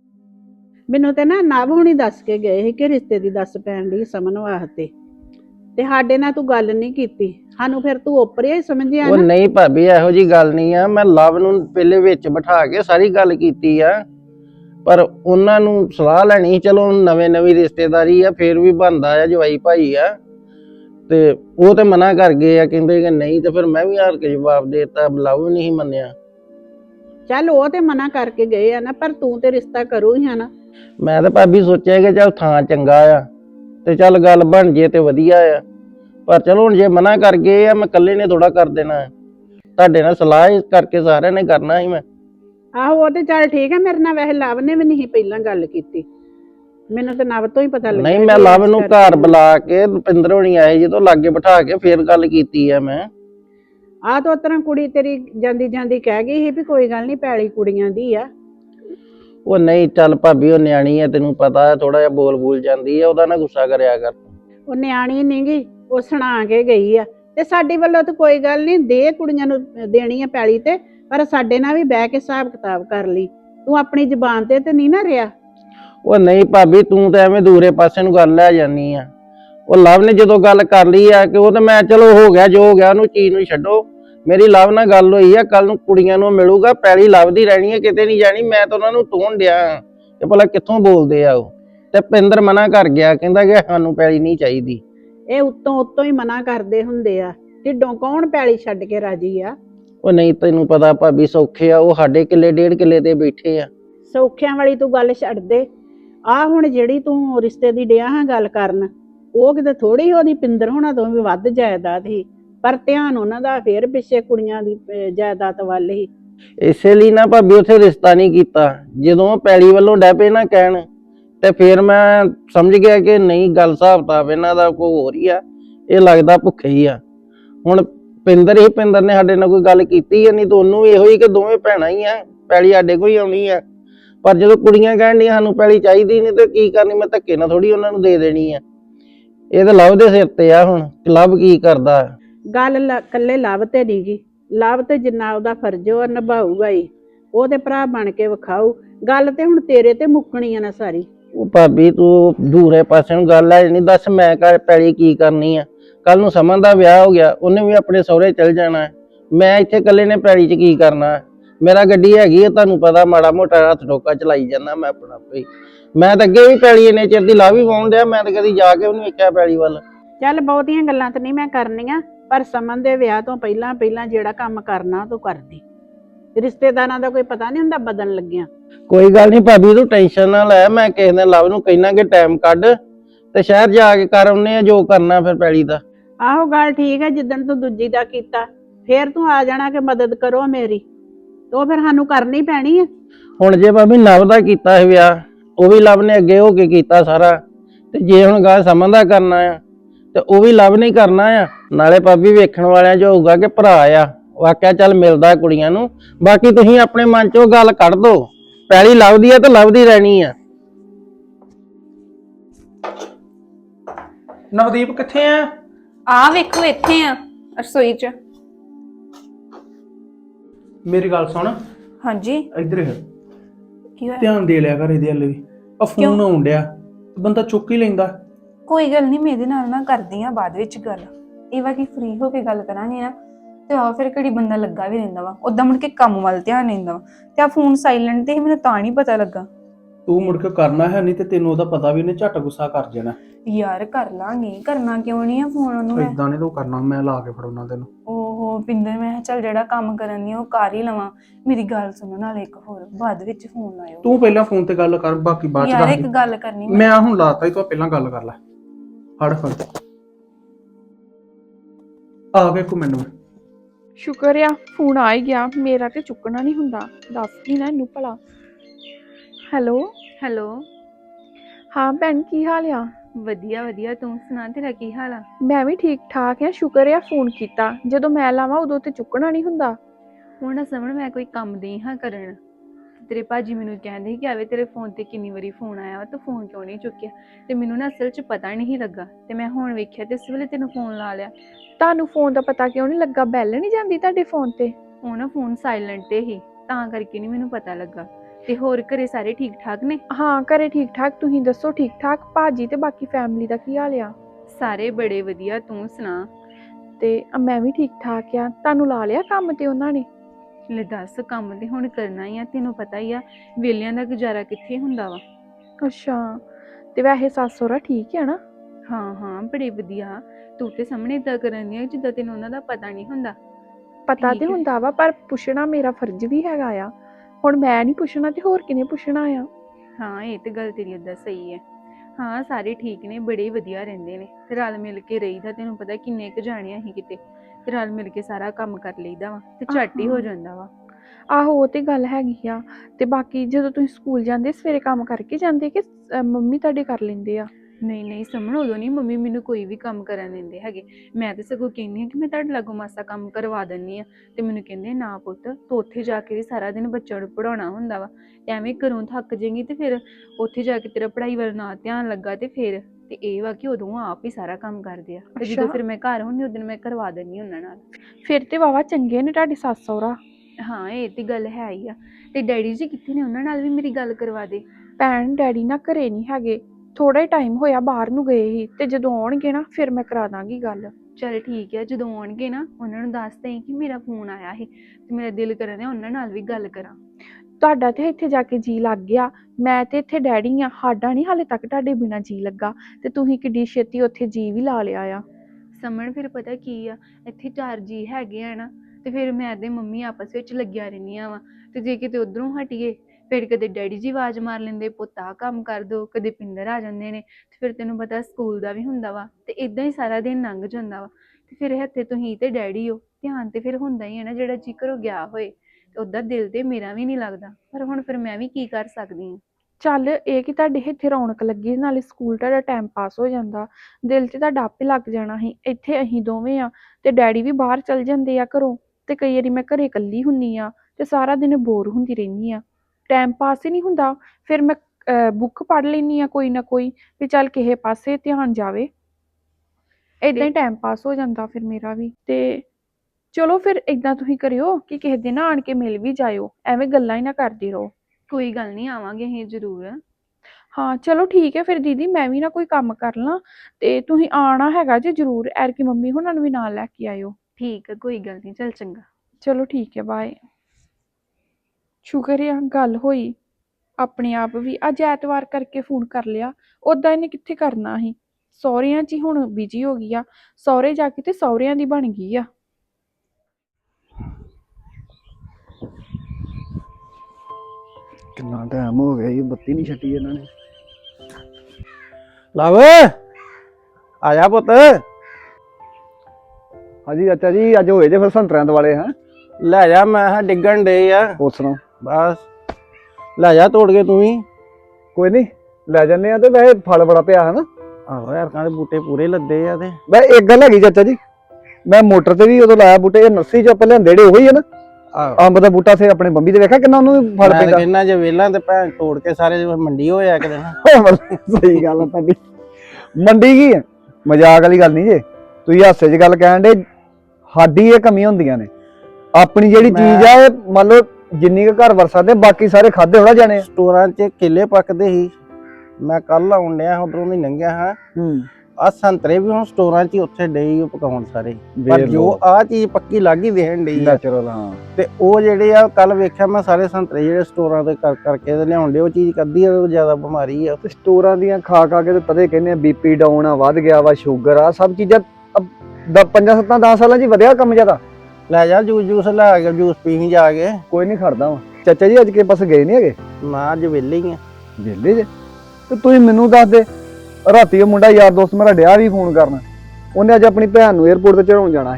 Speaker 6: ਮੈਨੂੰ ਤੇ ਨਾ ਨਵ ਹੁਣੀ ਦੱਸ ਕੇ ਗਏ ਸੀ ਕਿ ਰਿਸ਼ਤੇ ਦੀ ਦੱਸ ਪੈਣ ਦੀ ਸਮਨ ਵਾਸਤੇ, ਤੇ ਸਾਡੇ ਨਾਲ ਤੂੰ ਗੱਲ ਨਹੀਂ ਕੀਤੀ। ਸਾਨੂੰ ਫਿਰ ਤੂੰ ਓਪਰਿਆ ਹੀ ਸਮਝਿਆ
Speaker 1: ਉਹ
Speaker 6: ਨਾ।
Speaker 1: ਨਹੀਂ ਭਾਬੀ, ਇਹੋ ਜੀ ਗੱਲ ਨਹੀਂ ਆ। ਮੈਂ ਲਵ ਨੂੰ ਪਹਿਲੇ ਵਿੱਚ ਬਿਠਾ ਕੇ ਸਾਰੀ ਗੱਲ ਕੀਤੀ ਆ, ਪਰ ਉਹਨਾਂ ਨੂੰ ਸਲਾਹ ਲੈਣੀ। ਚਲੋ ਨਵੇਂ ਨਵੀਂ ਰਿਸ਼ਤੇਦਾਰੀ ਆ, ਫੇਰ ਵੀ ਬਣਦਾ ਆ, ਜਵਾਈ ਭਾਈ ਆ, ਤੇ ਉਹ ਤੇ ਮਨਾ ਕਰ ਗਏ ਆ, ਕਹਿੰਦੇ ਕਿ ਨਹੀਂ। ਤੇ ਫਿਰ ਮੈਂ ਵੀ ਹਾਰ ਕੇ ਜਵਾਬ ਦੇਤਾ, ਲਵ ਵੀ ਨਹੀਂ ਮੰਨਿਆ।
Speaker 6: ਚੱਲ ਉਹ ਤੇ ਮਨਾ ਕਰਕੇ ਗਏ ਆ ਨਾ, ਪਰ ਤੂੰ ਤੇ ਰਿਸ਼ਤਾ ਕਰੂ ਹੀ ਆ ਨਾ।
Speaker 1: ਮੈਂ ਤਾਂ ਭਾਬੀ ਸੋਚਿਆ ਕਿ ਚੱਲ ਥਾਂ ਚੰਗਾ ਆ ਤੇ ਚੱਲ ਗੱਲ ਬਣ ਜੇ ਤੇ ਵਧੀਆ ਆ, ਪਰ ਚਲੋ ਹੁਣ ਜੇ ਮਨਾ ਕਰ ਗਏ ਆ, ਮੈਂ ਇਕੱਲੇ ਨੇ ਥੋੜਾ ਕਰ ਦੇਣਾ। ਤੁਹਾਡੇ ਨਾਲ ਸਲਾਹ ਕਰਕੇ ਸਾਰਿਆਂ ਨੇ ਕਰਨਾ ਸੀ। ਮੈਂ
Speaker 6: ਆਹੋ ਉਹ ਤੇ ਚੱਲ ਠੀਕ ਹੈ। ਮੇਰੇ ਨਾਲ ਵੈਸੇ ਲਵ ਨੇ ਵੀ ਨਹੀਂ ਪਹਿਲਾਂ ਗੱਲ ਕੀਤੀ, ਮੈਨੂੰ ਤੇ ਨਵ ਤੋਂ ਹੀ ਪਤਾ ਲੱਗਿਆ।
Speaker 1: ਨਹੀਂ, ਮੈਂ ਲਵ ਨੂੰ ਘਰ ਬੁਲਾ ਕੇ ਰੁਪਿੰਦਰ ਹੋਣੀ ਆਏ ਜਦੋਂ ਲਾਗੇ ਬਿਠਾ ਕੇ ਫੇਰ ਗੱਲ ਕੀਤੀ ਆ। ਮੈਂ
Speaker 6: ਆਹ ਤਾਂ ਉਤਰਾ ਕੁੜੀ ਤੇਰੀ ਜਾਂਦੀ ਜਾਂਦੀ ਕਹਿ ਗਈ ਸੀ ਵੀ ਕੋਈ ਗੱਲ ਨਹੀਂ, ਪੈਲੀ ਕੁੜੀਆਂ ਦੀ ਆ।
Speaker 1: ਉਹ ਨਹੀਂ, ਚੱਲ ਭਾਬੀ ਉਹ ਨਿਆਣੀ ਆ, ਤੈਨੂੰ ਪਤਾ ਹੈ, ਥੋੜਾ ਜਿਹਾ ਬੋਲ ਬੋਲ ਜਾਂਦੀ ਆ, ਉਹਦਾ ਨਾ ਗੁੱਸਾ ਕਰਿਆ ਕਰ।
Speaker 6: ਉਹ ਨਿਆਣੀ ਨੀ ਗੀ, ਉਹ ਸੁਣਾ ਕੇ ਗਈ ਆ। ਤੇ ਸਾਡੀ ਵੱਲੋਂ ਤਾਂ ਕੋਈ ਗੱਲ ਨਹੀਂ, ਦੇ ਕੁੜੀਆਂ ਨੂੰ ਦੇਣੀ ਆ ਪੈਲੀ ਤੇ, ਪਰ ਸਾਡੇ ਨਾਲ ਵੀ ਬਹਿ ਕੇ ਹਿਸਾਬ ਕਿਤਾਬ ਕਰ ਲਈ। ਤੂੰ ਆਪਣੀ ਜ਼ੁਬਾਨ ਤੇ ਤੇ ਨਹੀਂ ਨਾ ਰਿਹਾ।
Speaker 1: ਉਹ ਨਹੀਂ ਭਾਬੀ, ਤੂੰ ਤਾਂ ਐਵੇਂ ਦੂਰੇ ਪਾਸੇ ਨੂੰ ਗੱਲ ਲੈ ਜਾਨੀ ਆ। ਉਹ ਲਵ ਨੇ ਜਦੋਂ ਗੱਲ ਕਰ ਲਈ ਆ ਕਿ ਉਹ ਤਾਂ ਮੈਂ ਚਲੋ ਹੋ ਗਿਆ ਜੋ ਹੋ ਗਿਆ, ਉਹਨੂੰ ਚੀਜ਼ ਨੂੰ ਛੱਡੋ। ਮੇਰੀ ਲਵ ਨਾਲ ਗੱਲ ਹੋਈ ਆ, ਕੱਲ ਨੂੰ ਕੁੜੀਆਂ ਨੂੰ ਮਿਲੂਗਾ, ਪੈਲੀ ਲਵ ਦੀ ਰਹਿਣੀ ਹੈ, ਕਿਤੇ ਨਹੀਂ ਜਾਣੀ। ਮੈਂ ਤਾਂ ਉਹਨਾਂ ਨੂੰ ਟੋਣ ਡਿਆ ਕਿ ਭਲਾ ਕਿੱਥੋਂ ਬੋਲਦੇ ਆ ਉਹ। ਤੇ ਪਿੰਦਰ ਮਨਾ ਕਰ ਗਿਆ, ਕਹਿੰਦਾ ਕਿ ਸਾਨੂੰ ਪੈਲੀ ਨਹੀਂ ਚਾਹੀਦੀ।
Speaker 6: ਇਹ ਉੱਤੋਂ ਉੱਤੋਂ ਹੀ ਮਨਾ ਕਰਦੇ ਹੁੰਦੇ ਆ, ਢਿੱਡੋਂ ਕੌਣ ਪੈਲੀ ਛੱਡ ਕੇ ਰਾਜੀ ਆ।
Speaker 1: ਉਹ ਨਹੀਂ, ਤੈਨੂੰ ਪਤਾ ਭਾਬੀ ਸੌਖੇ ਆ ਉਹ, ਸਾਡੇ ਕਿੱਲੇ ਡੇਢ ਕਿੱਲੇ ਤੇ ਬੈਠੇ ਆ।
Speaker 6: ਸੌਖਿਆਂ ਵਾਲੀ ਤੂੰ ਗੱਲ ਛੱਡ ਦੇ। ਆ ਹੁਣ ਜਿਹੜੀ ਤੂੰ ਰਿਸ਼ਤੇ ਦੀ ਡਿਆ ਹਾਂ ਗੱਲ ਕਰਨ, ਉਹ ਕਿਤੇ ਥੋੜੀ ਉਹਦੀ ਪਿੰਦਰ ਹੋਣਾ ਤੋਂ ਵੀ ਵੱਧ ਜਾਇਦਾਦ ਸੀ, ਪਰ ਧਿਆਨ ਉਹਨਾਂ ਦਾ ਫੇਰ ਪਿੱਛੇ ਕੁੜੀਆਂ ਦੀ ਜਾਇਦਾਦ ਵੱਲ ਹੀ।
Speaker 1: ਇਸੇ ਲਈ ਨਾ ਭਾਬੀ ਉੱਥੇ ਰਿਸ਼ਤਾ ਨਹੀਂ ਕੀਤਾ। ਜਦੋਂ ਪੈਲੀ ਵੱਲੋਂ ਡੈ ਪਏ ਨਾ ਕਹਿਣ, ਤੇ ਫੇਰ ਮੈਂ ਸਮਝ ਗਿਆ ਕਿ ਨਹੀਂ, ਗੱਲ ਹਿਸਾਬ ਕਿਤਾਬ ਇਹਨਾਂ ਦਾ ਕੋਈ ਹੋਰ ਹੀ ਆ, ਇਹ ਲੱਗਦਾ ਭੁੱਖੇ ਹੀ ਆ। ਹੁਣ ਪਿੰਦਰ ਹੀ ਪਿੰਦਰ ਨੇ ਸਾਡੇ ਨਾਲ ਕੋਈ ਗੱਲ ਕੀਤੀ ਹੈ, ਨਹੀਂ ਤਾਂ ਉਹਨੂੰ ਵੀ ਇਹੋ ਹੀ ਕਿ ਦੋਵੇਂ ਭੈਣਾਂ ਹੀ ਆ, ਪੈਲੀ ਸਾਡੇ ਕੋਲ ਹੀ ਆਉਣੀ ਆ। ਪਰ ਜਦੋਂ ਕੁੜੀਆਂ ਕਹਿਣ ਡੀਆਂ ਸਾਨੂੰ ਪੈਲੀ ਚਾਹੀਦੀ ਨਹੀਂ, ਤੇ ਕੀ ਕਰਨੀ, ਮੈਂ ਧੱਕੇ ਨਾਲ ਥੋੜੀ ਉਹਨਾਂ ਨੂੰ ਦੇ ਦੇਣੀ ਆ। ਇਹ ਤਾਂ ਲਵ ਦੇ ਸਿਰ ਤੇ ਆ। ਹੁਣ ਲਵ ਕੀ ਕਰਦਾ?
Speaker 6: ਗੱਲ ਕੱਲੇ ਲਵ ਤੇ ਨੀ ਗੀ, ਲਵ ਤੇ ਜਿੰਨਾ ਉਹਦਾ ਫਰਜ਼ ਉਹ ਨਿਭਾਊਗਾ ਹੀ, ਉਹ ਤੇ ਭਰਾ ਬਣ ਕੇ ਵਿਖਾਊ। ਗੱਲ ਤੇ ਹੁਣ ਤੇਰੇ ਤੇ ਮੁੱਕਣੀ ਆ ਨਾ ਸਾਰੀ।
Speaker 1: ਉਹ ਭਾਬੀ ਤੂੰ ਦੂਰੇ ਪਾਸੇ ਨੂੰ ਗੱਲ ਲੈ ਜਾਣੀ। ਦੱਸ ਮੈਂ ਘਰ ਪੈਲੀ ਕੀ ਕਰਨੀ ਆ? ਕੱਲ ਨੂੰ ਸਮਨ ਦਾ ਵਿਆਹ ਹੋ ਗਿਆ, ਉਹਨੇ ਵੀ ਆਪਣੇ ਸਹੁਰੇ ਚਲ ਜਾਣਾ, ਮੈਂ ਇੱਥੇ ਇਕੱਲੇ ਨੇ ਪੈਲੀ 'ਚ ਕੀ ਕਰਨਾ? ਮੇਰਾ ਗੱਡੀ ਹੈਗੀ ਆ, ਤੁਹਾਨੂੰ ਪਤਾ, ਮਾੜਾ ਮੋਟਾ ਹੱਥ ਠੋਕਾ ਚਲਾਈ ਜਾਂਦਾ ਮੈਂ ਆਪਣਾ ਆਪੇ। ਮੈਂ ਤਾਂ ਅੱਗੇ ਵੀ ਪੈਲੀ ਇੰਨੇ ਚਿਰ ਦੀ ਲਾ ਵੀ ਪਾਉਣ ਡਿਆ, ਮੈਂ ਤਾਂ ਕਦੀ ਜਾ ਕੇ ਉਹਨੂੰ ਵੇਖਿਆ ਪੈਲੀ ਵੱਲ।
Speaker 6: ਚੱਲ ਬਹੁਤੀਆਂ ਗੱਲਾਂ ਤੇ ਨਹੀਂ ਮੈਂ ਕਰਨੀਆਂ, ਪਰ ਸਮਨ ਦੇ ਵਿਆਹ ਤੋਂ ਪਹਿਲਾਂ ਪਹਿਲਾਂ ਜਿਹੜਾ ਕੰਮ ਕਰਨਾ ਤੂੰ ਕਰਦੀ। ਰਿਸ਼ਤੇਦਾਰਾਂ ਦਾ ਕੋਈ ਪਤਾ ਨਹੀਂ ਹੁੰਦਾ ਬਦਲਣ ਲੱਗਿਆ।
Speaker 1: ਕੋਈ ਗੱਲ ਨਹੀਂ ਭਾਬੀ, ਤੂੰ ਟੈਨਸ਼ਨ ਨਾ ਲੈ। ਮੈਂ ਕਿਸੇ ਦਿਨ ਲਵ ਨੂੰ ਕਹਿਣਾ ਕਿ ਟਾਈਮ ਕੱਢ ਤੇ ਸ਼ਹਿਰ ਜਾ ਕੇ ਕਰ ਆਉਨੇ ਆ ਜੋ ਕਰਨਾ ਫਿਰ ਪੈਲੀ ਦਾ।
Speaker 6: ਆਹੋ ਗੱਲ ਠੀਕ ਹੈ, ਜਿੱਦਣ ਤੂੰ ਦੂਜੀ ਦਾ ਕੀਤਾ ਫੇਰ ਤੂੰ ਆ ਜਾਣਾ ਕਿ ਮਦਦ ਕਰੋ ਮੇਰੀ, ਤੇ ਉਹ ਫਿਰ ਸਾਨੂੰ ਕਰਨੀ ਪੈਣੀ ਹੈ।
Speaker 1: ਹੁਣ ਜੇ ਭਾਬੀ ਨਵ ਦਾ ਕੀਤਾ ਹੈ ਵਿਆਹ, ਉਹ ਵੀ ਲਵ ਨੇ ਅੱਗੇ ਹੋ ਕੇ ਕੀਤਾ ਸਾਰਾ, ਤੇ ਜੇ ਹੁਣ ਗੱਲ ਸਮਨ ਦਾ ਕਰਨਾ ਆ ਤੇ ਉਹ ਵੀ ਲਵ ਨੇ ਕਰਨਾ ਆ। ਨਾਲੇ ਭਾਬੀ ਵੇਖਣ ਵਾਲਿਆਂ ਚ ਹੋਊਗਾ ਕਿ ਭਰਾ ਆ, ਵਾਕਿਆ ਚੱਲ ਮਿਲਦਾ ਕੁੜੀਆਂ ਨੂੰ। ਬਾਕੀ ਤੁਸੀਂ ਆਪਣੇ ਮਨ ਚੋਂ ਗੱਲ ਕੱਢ ਦੋ, ਪੈਲੀ ਲਵ ਦੀ ਆ ਤੇ ਲਵ ਦੀ ਰਹਿਣੀ ਆ।
Speaker 3: ਨਵਦੀਪ ਕਿੱਥੇ ਆ?
Speaker 4: ਆ ਵੇਖੋ ਇੱਥੇ ਆ ਰਸੋਈ 'ਚ।
Speaker 3: ਮੇਰੀ ਗੱਲ ਸੁਣ,
Speaker 4: ਹਾਂਜੀ
Speaker 3: ਇੱਧਰ ਹੈ,
Speaker 4: ਕੀ ਹੋਇਆ?
Speaker 3: ਧਿਆਨ ਦੇ ਲਿਆ ਕਰ ਇਹਦੇ ਵੱਲ ਵੀ। ਆ ਫੋਨ ਆਉਣ ਡਿਆ, ਬੰਦਾ ਚੁੱਕ ਹੀ ਲੈਂਦਾ।
Speaker 4: ਕੋਈ ਗੱਲ ਨਹੀਂ, ਮੈਂ ਇਹਦੇ ਨਾਲ ਨਾ ਕਰਦੀ ਆ ਬਾਅਦ ਵਿੱਚ ਗੱਲ। ਇਹ ਵਾ ਕਿ ਫ੍ਰੀ ਹੋ ਕੇ ਗੱਲ ਕਰਾਂਗੇ ਨਾ, ਤੇ ਆ ਫਿਰ ਕਿਹੜੀ ਬੰਦਾ ਲੱਗਾ ਵੀ ਰਹਿੰਦਾ ਵਾ, ਉਦਾਂ ਮੁੜ ਕੇ ਕੰਮ ਵੱਲ ਧਿਆਨ ਰਹਿੰਦਾ ਵਾ। ਤੇ ਆ ਫੋਨ ਸਾਇਲੈਂਟ ਤੇ ਮੈਨੂੰ ਤਾਂ ਨਹੀਂ ਪਤਾ ਲੱਗਾ।
Speaker 3: ਤੂੰ ਮੁੜ ਕੇ ਕਰਨਾ ਹੈ ਨਹੀਂ, ਤੇ ਤੈਨੂੰ ਉਹਦਾ ਪਤਾ ਵੀ ਉਹਨੇ ਝੱਟ ਗੁੱਸਾ ਕਰ ਜਾਣਾ।
Speaker 4: ਯਾਰ ਕਰ ਲਾਂਗੇ, ਕਰਨਾ ਕਿਉਂ ਨਹੀਂ ਆ ਫੋਨ ਉਹਨੂੰ। ਮੈਂ
Speaker 3: ਇਦਾਂ ਨਹੀਂ ਤੂੰ ਕਰਨਾ, ਮੈਂ ਲਾ ਕੇ ਫੜਾਉਣਾ ਤੈਨੂੰ।
Speaker 4: ਓਹੋ ਪਿੰਦਰ, ਮੈਂ ਚੱਲ ਜਿਹੜਾ ਕੰਮ ਕਰਨ ਦੀ ਉਹ ਕਰ ਹੀ ਲਵਾਂ। ਮੇਰੀ ਗੱਲ ਸੁਣੋ, ਨਾਲ ਇੱਕ ਹੋਰ ਬਾਅਦ ਵਿੱਚ ਫੋਨ ਲਾਇਓ।
Speaker 3: ਤੂੰ ਪਹਿਲਾਂ ਫੋਨ ਤੇ ਗੱਲ ਕਰ, ਬਾਕੀ ਬਾਅਦ ਚ
Speaker 4: ਯਾਰ
Speaker 3: ਦੱਸ
Speaker 4: ਇੱਕ
Speaker 3: ਦੇ।
Speaker 4: ਗੱਲ ਕਰਨੀ
Speaker 3: ਮੈਂ ਹੁਣ ਲਾਤਾ ਹੀ, ਤੂੰ ਪਹਿਲਾਂ ਗੱਲ ਕਰ ਲੈ। ਫੜ ਫੜ। ਆ ਵੇਖੋ ਮੈਨੂੰ
Speaker 5: ਸ਼ੁਕਰ ਆ ਫੋਨ ਆ ਹੀ ਗਿਆ, ਮੇਰਾ ਤੇ ਚੁੱਕਣਾ ਨਹੀਂ ਹੁੰਦਾ। ਦੱਸ ਕੀ ਨਾ ਇਹਨੂੰ ਭਲਾ। Hello
Speaker 4: hello.
Speaker 5: ਹਾਂ ਭੈਣ ਕੀ ਹਾਲ ਆ?
Speaker 4: ਵਧੀਆ ਵਧੀਆ, ਤੂੰ ਸੁਣਾ ਤੇਰਾ ਕੀ ਹਾਲ ਆ?
Speaker 5: ਮੈਂ ਵੀ ਠੀਕ ਠਾਕ ਆ, ਸ਼ੁਕਰ ਆ ਫੋਨ ਕੀਤਾ। ਜਦੋਂ ਮੈਂ ਲਾਵਾਂ ਉਦੋਂ ਤੇ ਚੁੱਕਣਾ ਨਹੀਂ ਹੁੰਦਾ।
Speaker 4: ਹੁਣ ਨਾ ਸਮਝ, ਮੈਂ ਕੋਈ ਕੰਮ ਦੀ ਹਾਂ ਕਰਨ, ਤੇਰੇ ਭਾਜੀ ਮੈਨੂੰ ਕਹਿੰਦੇ ਕਿ ਆਵੇ ਤੇਰੇ ਫੋਨ ਤੇ ਕਿੰਨੀ ਵਾਰੀ ਫੋਨ ਆਇਆ ਵਾ, ਤੂੰ ਫੋਨ ਕਿਉਂ ਨਹੀਂ ਚੁੱਕਿਆ? ਤੇ ਮੈਨੂੰ ਨਾ ਅਸਲ 'ਚ ਪਤਾ ਨਹੀਂ ਲੱਗਾ, ਤੇ ਮੈਂ ਹੁਣ ਵੇਖਿਆ ਤੇ ਇਸ ਵੇਲੇ ਤੈਨੂੰ ਫੋਨ ਲਾ ਲਿਆ।
Speaker 5: ਤੁਹਾਨੂੰ ਫੋਨ ਦਾ ਪਤਾ ਕਿਉਂ ਨਹੀਂ ਲੱਗਾ? ਬੈਲ ਨਹੀਂ ਜਾਂਦੀ ਤੁਹਾਡੇ ਫੋਨ ਤੇ?
Speaker 4: ਉਹ ਨਾ ਫੋਨ ਸਾਇਲੈਂਟ ਤੇ ਹੀ, ਤਾਂ ਕਰਕੇ ਨਹੀਂ ਮੈਨੂੰ ਪਤਾ ਲੱਗਾ। ਤੇ ਹੋਰ ਘਰੇ ਸਾਰੇ ਠੀਕ ਠਾਕ ਨੇ?
Speaker 5: ਹਾਂ ਘਰੇ ਠੀਕ ਠਾਕ, ਤੁਸੀਂ ਦੱਸੋ ਠੀਕ ਠਾਕ? ਭਾਜੀ ਤੇ ਬਾਕੀ ਫੈਮਿਲੀ ਦਾ ਕੀ ਹਾਲ ਆ?
Speaker 4: ਸਾਰੇ ਬੜੇ ਵਧੀਆ, ਤੂੰ ਸੁਣਾ?
Speaker 5: ਤੇ ਮੈਂ ਵੀ ਠੀਕ ਠਾਕ ਆ। ਤੁਹਾਨੂੰ ਲਾ ਲਿਆ ਕੰਮ ਤੇ ਉਹਨਾਂ ਨੇ?
Speaker 4: ਲੈ ਦੱਸ, ਕੰਮ ਤੇ ਹੁਣ ਕਰਨਾ ਹੀ ਆ, ਤੈਨੂੰ ਪਤਾ ਹੀ ਆ ਵੇਲਿਆਂ ਦਾ ਗੁਜ਼ਾਰਾ ਕਿੱਥੇ ਹੁੰਦਾ ਵਾ।
Speaker 5: ਅੱਛਾ, ਤੇ ਵੈਸੇ ਸੱਸ ਸਹੁਰਾ ਠੀਕ ਆ ਨਾ?
Speaker 4: ਹਾਂ ਹਾਂ ਬੜੇ ਵਧੀਆ। ਤੂੰ ਤੇ ਸਾਹਮਣੇ ਏਦਾਂ ਕਰਨ ਦੀ ਆ ਜਿੱਦਾਂ ਤੈਨੂੰ ਉਹਨਾਂ ਦਾ ਪਤਾ ਨਹੀਂ ਹੁੰਦਾ।
Speaker 5: ਪਤਾ
Speaker 4: ਠੀਕ
Speaker 5: ਤੇ
Speaker 4: ਹੈ।
Speaker 5: ਹੁੰਦਾ ਵਾ, ਪਰ ਪੁੱਛਣਾ ਮੇਰਾ ਫਰਜ਼ ਵੀ ਹੈਗਾ ਆ। ਹੁਣ ਮੈਂ ਨਹੀਂ ਪੁੱਛਣਾ ਤੇ ਹੋਰ ਕਿਹਨੇ ਪੁੱਛਣਾ ਆ?
Speaker 4: ਹਾਂ ਇਹ ਤੇ ਗੱਲ ਤੇਰੀ ਏਦਾਂ ਸਹੀ ਹੈ। ਹਾਂ ਸਾਰੇ ਠੀਕ ਨੇ, ਬੜੇ ਵਧੀਆ ਰਹਿੰਦੇ ਨੇ, ਤੇ ਰਲ ਮਿਲ ਕੇ ਰਹੀਦਾ। ਤੈਨੂੰ ਪਤਾ ਕਿੰਨੇ ਕੁ ਜਾਣੇ ਅਸੀਂ ਕਿਤੇ, ਤੇ ਰਲ ਮਿਲ ਕੇ ਸਾਰਾ ਕੰਮ ਕਰ ਲਈਦਾ ਵਾ, ਤੇ ਝੱਟ ਹੀ ਹੋ ਜਾਂਦਾ ਵਾ।
Speaker 5: ਆਹੋ ਉਹ ਤੇ ਗੱਲ ਹੈਗੀ ਆ। ਤੇ ਬਾਕੀ ਜਦੋਂ ਤੁਸੀਂ ਸਕੂਲ ਜਾਂਦੇ ਸਵੇਰੇ ਕੰਮ ਕਰਕੇ ਜਾਂਦੇ ਕਿ ਅਹ ਮੰਮੀ ਤੁਹਾਡੇ ਕਰ ਲੈਂਦੇ ਆ?
Speaker 4: ਨਹੀਂ ਨਹੀਂ ਸਮਣ, ਉਦੋਂ ਨਹੀਂ ਮੰਮੀ ਮੈਨੂੰ ਕੋਈ ਵੀ ਕੰਮ ਕਰਨ ਦਿੰਦੇ ਹੈਗੇ। ਮੈਂ ਤੇ ਸਗੋਂ ਕਹਿੰਦੀ ਹਾਂ ਕਿ ਮੈਂ ਤੁਹਾਡੇ ਲਾਗੋਂ ਮਾਸਾ ਕੰਮ ਕਰਵਾ ਦਿੰਦੀ ਹਾਂ, ਤੇ ਮੈਨੂੰ ਕਹਿੰਦੇ ਨਾ ਪੁੱਤ, ਤੂੰ ਉੱਥੇ ਜਾ ਕੇ ਵੀ ਸਾਰਾ ਦਿਨ ਬੱਚਿਆਂ ਨੂੰ ਪੜ੍ਹਾਉਣਾ ਹੁੰਦਾ ਵਾ, ਐਵੇਂ ਘਰੋਂ ਥੱਕ ਜਾਏਂਗੀ ਤੇ ਫਿਰ ਉੱਥੇ ਜਾ ਕੇ ਤੇਰਾ ਪੜ੍ਹਾਈ ਵੱਲ ਨਾ ਧਿਆਨ ਲੱਗਾ ਤੇ ਫਿਰ ਤੇ ਇਹ ਵਾ ਕਿ ਉਦੋਂ ਆਪ ਹੀ ਸਾਰਾ ਕੰਮ ਕਰਦੇ ਆ, ਤੇ ਜਦੋਂ
Speaker 5: ਅੱਛਾ।
Speaker 4: ਫਿਰ ਮੈਂ ਘਰ ਹੁੰਦੀ ਉਦੋਂ ਮੈਂ ਕਰਵਾ ਦਿੰਦੀ ਉਹਨਾਂ ਨਾਲ।
Speaker 5: ਫਿਰ ਤੇ ਵਾਵਾ ਚੰਗੇ ਨੇ ਤੁਹਾਡੇ ਸੱਸ ਸਹੁਰਾ।
Speaker 4: ਹਾਂ ਇਹ ਤੇ ਗੱਲ ਹੈ ਹੀ ਆ। ਤੇ ਡੈਡੀ ਜੀ ਕਿੱਥੇ ਨੇ? ਉਹਨਾਂ ਨਾਲ ਵੀ ਮੇਰੀ ਗੱਲ ਕਰਵਾ ਦੇ।
Speaker 5: ਭੈਣ ਡੈਡੀ ਨਾ ਘਰੇ ਨਹੀਂ ਹੈਗੇ, ਥੋੜਾ ਹੀ ਟਾਈਮ ਹੋਇਆ ਬਾਹਰ ਨੂੰ ਗਏ ਸੀ, ਤੇ ਜਦੋਂ ਆਉਣਗੇ ਨਾ ਫਿਰ ਮੈਂ ਕਰਾ ਦਾਂਗੀ ਗੱਲ।
Speaker 4: ਚਲ ਠੀਕ ਹੈ, ਜਦੋਂ ਆਉਣਗੇ ਨਾ ਉਹਨਾਂ ਨੂੰ ਦੱਸ ਦੇਈਂ ਕਿ ਮੇਰਾ ਫੋਨ ਆਇਆ ਸੀ, ਤੇ ਮੇਰਾ ਦਿਲ ਕਰਨ ਡਿਆ ਉਹਨਾਂ ਨਾਲ ਵੀ ਗੱਲ ਕਰਾਂ।
Speaker 5: ਤੁਹਾਡਾ ਤੇ ਇੱਥੇ ਜਾ ਕੇ ਜੀ ਲੱਗ ਗਿਆ, ਮੈਂ ਤੇ ਇੱਥੇ ਡੈਡੀ ਆ, ਸਾਡਾ ਨਹੀਂ ਹਾਲੇ ਤੱਕ ਤੁਹਾਡੇ ਬਿਨਾਂ ਜੀ ਲੱਗਾ, ਤੇ ਤੁਸੀਂ ਕਿੱਡੀ ਛੇਤੀ ਉੱਥੇ ਜੀ ਵੀ ਲਾ ਲਿਆ ਆ।
Speaker 4: ਸਮਣ ਫਿਰ ਪਤਾ ਕੀ ਆ, ਇੱਥੇ ਚਾਰ ਜੀ ਹੈਗੇ ਆ ਨਾ, ਤੇ ਫਿਰ ਮੈਂ ਤੇ ਮੰਮੀ ਆਪਸ ਵਿੱਚ ਲੱਗੀਆਂ ਰਹਿੰਦੀਆਂ ਵਾ, ਤੇ ਜੇ ਕਿਤੇ ਉਧਰੋਂ ਹਟੀਏ ਫਿਰ ਕਦੇ ਡੈਡੀ ਜੀ ਆਵਾਜ਼ ਮਾਰ ਲੈਂਦੇ, ਪੁੱਤ ਆਹ ਕੰਮ ਕਰ ਦੋ, ਕਦੇ ਪਿੰਦਰ ਆ ਜਾਂਦੇ ਨੇ, ਤੇ ਫਿਰ ਤੈਨੂੰ ਪਤਾ ਸਕੂਲ ਦਾ ਵੀ ਹੁੰਦਾ ਵਾ, ਤੇ ਇਦਾਂ ਹੀ ਸਾਰਾ ਦਿਨ ਲੰਘ ਜਾਂਦਾ ਵਾ। ਤੇ ਫਿਰ ਹੱਥੇ ਤੁਸੀਂ ਤੇ ਡੈਡੀ ਹੋ, ਧਿਆਨ ਤੇ ਫਿਰ ਹੁੰਦਾ ਹੀ ਹੈ ਨਾ ਜਿਹੜਾ ਜੀ ਘਰੋਂ ਗਿਆ ਹੋਏ, ਤੇ ਉੱਦਾਂ ਦਿਲ ਤੇ ਮੇਰਾ ਵੀ ਨਹੀਂ ਲੱਗਦਾ, ਪਰ ਹੁਣ ਫਿਰ ਮੈਂ ਵੀ ਕੀ ਕਰ ਸਕਦੀ ਹਾਂ।
Speaker 5: ਚੱਲ ਇਹ ਕਿ ਤੁਹਾਡੇ ਇੱਥੇ ਰੌਣਕ ਲੱਗੀ, ਨਾਲੇ ਸਕੂਲ ਤੁਹਾਡਾ ਟਾਈਮ ਪਾਸ ਹੋ ਜਾਂਦਾ, ਦਿਲ 'ਚ ਤੁਹਾਡਾ ਆਪੇ ਲੱਗ ਜਾਣਾ ਸੀ। ਇੱਥੇ ਅਸੀਂ ਦੋਵੇਂ ਆ, ਤੇ ਡੈਡੀ ਵੀ ਬਾਹਰ ਚਲ ਜਾਂਦੇ ਆ ਘਰੋਂ, ਤੇ ਕਈ ਵਾਰੀ ਮੈਂ ਘਰੇ ਇਕੱਲੀ ਹੁੰਨੀ ਆ, ਤੇ ਸਾਰਾ ਦਿਨ ਬੋਰ ਹੁੰਦੀ ਰਹਿੰਦੀ ਆ, ਟਾਈਮ ਪਾਸ ਹੀ ਨਹੀਂ ਹੁੰਦਾ। ਫਿਰ ਮੈਂ ਬੁੱਕ ਪੜ੍ਹ ਲੈਂਦੀ ਆ ਕੋਈ ਨਾ ਕੋਈ, ਵੀ ਚੱਲ ਕਿਸੇ ਪਾਸੇ ਧਿਆਨ ਜਾਵੇ, ਏਦਾਂ ਹੀ ਟਾਈਮ ਪਾਸ ਹੋ ਜਾਂਦਾ ਫਿਰ ਮੇਰਾ ਵੀ। ਤੇ ਚਲੋ ਫਿਰ ਏਦਾਂ ਤੁਸੀਂ ਕਰਿਓ ਕਿ ਕਿਸੇ ਦਿਨ ਆਣ ਕੇ ਮਿਲ ਵੀ ਜਾਇਓ, ਐਵੇਂ ਗੱਲਾਂ ਹੀ ਨਾ ਕਰਦੇ ਰਹੋ।
Speaker 4: ਕੋਈ ਗੱਲ ਨਹੀਂ, ਆਵਾਂਗੇ ਅਸੀਂ ਜ਼ਰੂਰ।
Speaker 5: ਹਾਂ ਚਲੋ ਠੀਕ ਹੈ ਫਿਰ ਦੀਦੀ, ਮੈਂ ਵੀ ਨਾ ਕੋਈ ਕੰਮ ਕਰ ਲਾਂ, ਤੇ ਤੁਸੀਂ ਆਉਣਾ ਹੈਗਾ ਜੇ ਜ਼ਰੂਰ, ਐਰਕੀ ਮੰਮੀ ਹੁਣਾਂ ਨੂੰ ਵੀ ਨਾਲ ਲੈ ਕੇ ਆਇਓ।
Speaker 4: ਠੀਕ ਹੈ, ਕੋਈ ਗੱਲ ਨਹੀਂ, ਚੱਲ ਚੰਗਾ।
Speaker 5: ਚਲੋ ਠੀਕ ਹੈ, ਬਾਏ। ਸ਼ੁਕਰ ਆ ਗੱਲ ਹੋਈ, ਆਪਣੇ ਆਪ ਵੀ ਅੱਜ ਐਤਵਾਰ ਕਰਕੇ ਫੋਨ ਕਰ ਲਿਆ, ਉੱਦਾਂ ਇਹਨੇ ਕਿੱਥੇ ਕਰਨਾ ਸੀ। ਸਹੁਰਿਆਂ 'ਚ ਹੀ ਹੁਣ ਬਿਜੀ ਹੋ ਗਈ ਆ, ਸਹੁਰੇ ਜਾ ਕੇ ਤੇ ਸਹੁਰਿਆਂ ਦੀ ਬਣ ਗਈ ਆ।
Speaker 2: ਕਿੰਨਾ ਟਾਈਮ ਹੋ ਗਿਆ ਜੀ, ਬੱਤੀ ਨਹੀਂ ਛੱਡੀ ਇਹਨਾਂ ਨੇ।
Speaker 1: ਲਵ ਆ ਜਾ ਪੁੱਤ।
Speaker 2: ਹਾਂਜੀ ਚਾਚਾ ਜੀ, ਅੱਜ ਹੋਏ ਜੇ ਫਿਰ ਸੰਤਰਿਆਂ ਦੇ ਵਾਲੇ ਹੈ?
Speaker 1: ਲੈ ਜਾ, ਮੈਂ ਹਾਂ ਡਿੱਗਣ ਡੇ ਆ,
Speaker 2: ਹੋਰ ਸੁਣਾਓ?
Speaker 1: ਬਸ ਲੈ ਜਾ ਤੋੜ ਕੇ ਤੂੰ ਵੀ।
Speaker 2: ਕੋਈ ਨਹੀਂ ਲੈ ਜੰਨੇ ਆ, ਤੇ ਵੈਸੇ ਫਲ ਬੜਾ ਪਿਆ ਹੈ ਨਾ।
Speaker 1: ਆਹੋ ਯਾਰ, ਕਾਲੇ ਬੂਟੇ ਪੂਰੇ ਲੱਦੇ ਆ। ਤੇ
Speaker 2: ਵੈ ਇੱਕ ਗੱਲ ਹੈਗੀ ਚਾਚਾ ਜੀ, ਮੈਂ ਮੋਟਰ ਤੇ ਵੀ ਉਦੋਂ ਲਾਇਆ ਬੂਟੇ, ਇਹ ਨਰਸਰੀ ਚ ਆਪਾਂ ਲਿਆਂਦੇ ਜਿਹੜੇ ਉਹੀ ਹੈ ਨਾ? ਅੰਬ ਦਾ ਬੂਟਾ ਸੇ ਆਪਣੇ ਬੰਬੀ ਤੇ ਵੇਖਿਆ ਕਿੰਨਾ ਉਹਨੂੰ ਵੀ ਫਲ ਪੈਂਦਾ।
Speaker 1: ਕਿੰਨਾ ਜੇ ਵੇਲਾਂ ਤੇ ਭੈਣ ਤੋੜ ਕੇ ਸਾਰੇ ਮੰਡੀ ਹੋਇਆ ਕਿਤੇ ਨਾ।
Speaker 2: ਸਹੀ ਗੱਲ ਆ ਤੁਹਾਡੀ, ਮੰਡੀ ਕੀ ਹੈ, ਮਜ਼ਾਕ ਵਾਲੀ ਗੱਲ ਨਹੀਂ ਜੇ, ਤੁਸੀਂ ਹਾਸੇ 'ਚ ਗੱਲ ਕਹਿਣ ਦੇ। ਸਾਡੀ ਇਹ ਕਮੀਆਂ ਹੁੰਦੀਆਂ ਨੇ, ਆਪਣੀ ਜਿਹੜੀ ਚੀਜ਼ ਆ ਇਹ ਮੰਨ ਲਓ ਜਿੰਨੀ ਕੁ ਘਰ ਵਰ ਸਕਦੇ, ਬਾਕੀ ਸਾਰੇ ਖਾਦੇ ਹੋਣਾ ਜਾਣੇ।
Speaker 1: ਸਟੋਰਾਂ 'ਚ ਕੇਲੇ ਪੱਕਦੇ ਸੀ, ਮੈਂ ਕੱਲ ਆਉਣ ਡਿਆ ਉਧਰੋਂ ਦੀ ਲੰਘਿਆ ਹਾਂ,
Speaker 2: ਹੂੰ
Speaker 1: ਆ ਸੰਤਰੇ ਵੀ ਹੁਣ ਸਟੋਰਾਂ 'ਚ ਹੀ ਉੱਥੇ ਡਈ ਪਕਾਉਣ ਸਾਰੇ। ਪਰ ਜੋ ਆ ਚੀਜ਼ ਪੱਕੀ ਲੱਗ ਹੀ ਵੇਖਣ ਡਈ ਆ,
Speaker 2: ਨੈਚੁਰਲ। ਹਾਂ,
Speaker 1: ਤੇ ਉਹ ਜਿਹੜੇ ਆ ਕੱਲ ਵੇਖਿਆ ਮੈਂ ਸਾਰੇ ਸੰਤਰੇ ਜਿਹੜੇ ਸਟੋਰਾਂ ਤੇ ਕਰ ਕਰਕੇ ਤੇ ਲਿਆਉਣ ਡੇ, ਉਹ ਚੀਜ਼ ਕੱਢੀ ਆ, ਉਹ ਜ਼ਿਆਦਾ ਬਿਮਾਰੀ ਆ।
Speaker 2: ਤੇ ਸਟੋਰਾਂ ਦੀਆਂ ਖਾ ਖਾ ਕੇ ਤੇ ਤਦੇ ਕਹਿੰਦੇ ਆ ਬੀਪੀ ਡਾਊਨ ਆ, ਵੱਧ ਗਿਆ ਵਾ, ਸ਼ੂਗਰ ਆ, ਸਭ ਚੀਜ਼ਾਂ ਪੰਜਾਂ ਸੱਤਾਂ ਦਸ ਸਾਲਾਂ 'ਚ ਵਧਿਆ ਕੰਮ ਜ਼ਿਆਦਾ।
Speaker 1: ਲੈ ਜਾ ਜੂਸ ਜੂਸ ਲੈ ਕੇ ਜੂਸ ਪੀਵੀਂ ਜਾ ਕੇ।
Speaker 2: ਕੋਈ ਨਹੀਂ ਖੜਦਾ ਵਾ ਚਾਚਾ ਜੀ, ਅੱਜ ਕੇ ਪਾਸੇ ਗਏ ਨਹੀਂ ਹੈਗੇ?
Speaker 1: ਮੈਂ ਅੱਜ ਵਿਹਲੇ ਹੀ ਆ।
Speaker 2: ਵਿਹਲੇ ਜੇ? ਤੇ ਤੁਸੀਂ ਮੈਨੂੰ ਦੱਸ ਦੇ, ਰਾਤੀ ਉਹ ਮੁੰਡਾ ਯਾਰ ਦੋਸਤ ਮੇਰਾ ਡਿਆ ਵੀ ਫੋਨ ਕਰਨ, ਉਹਨੇ ਅੱਜ ਆਪਣੀ ਭੈਣ ਨੂੰ 에어ਪੋਰਟ ਤੇ ਚੜਾਉਣ ਜਾਣਾ ਸੀ,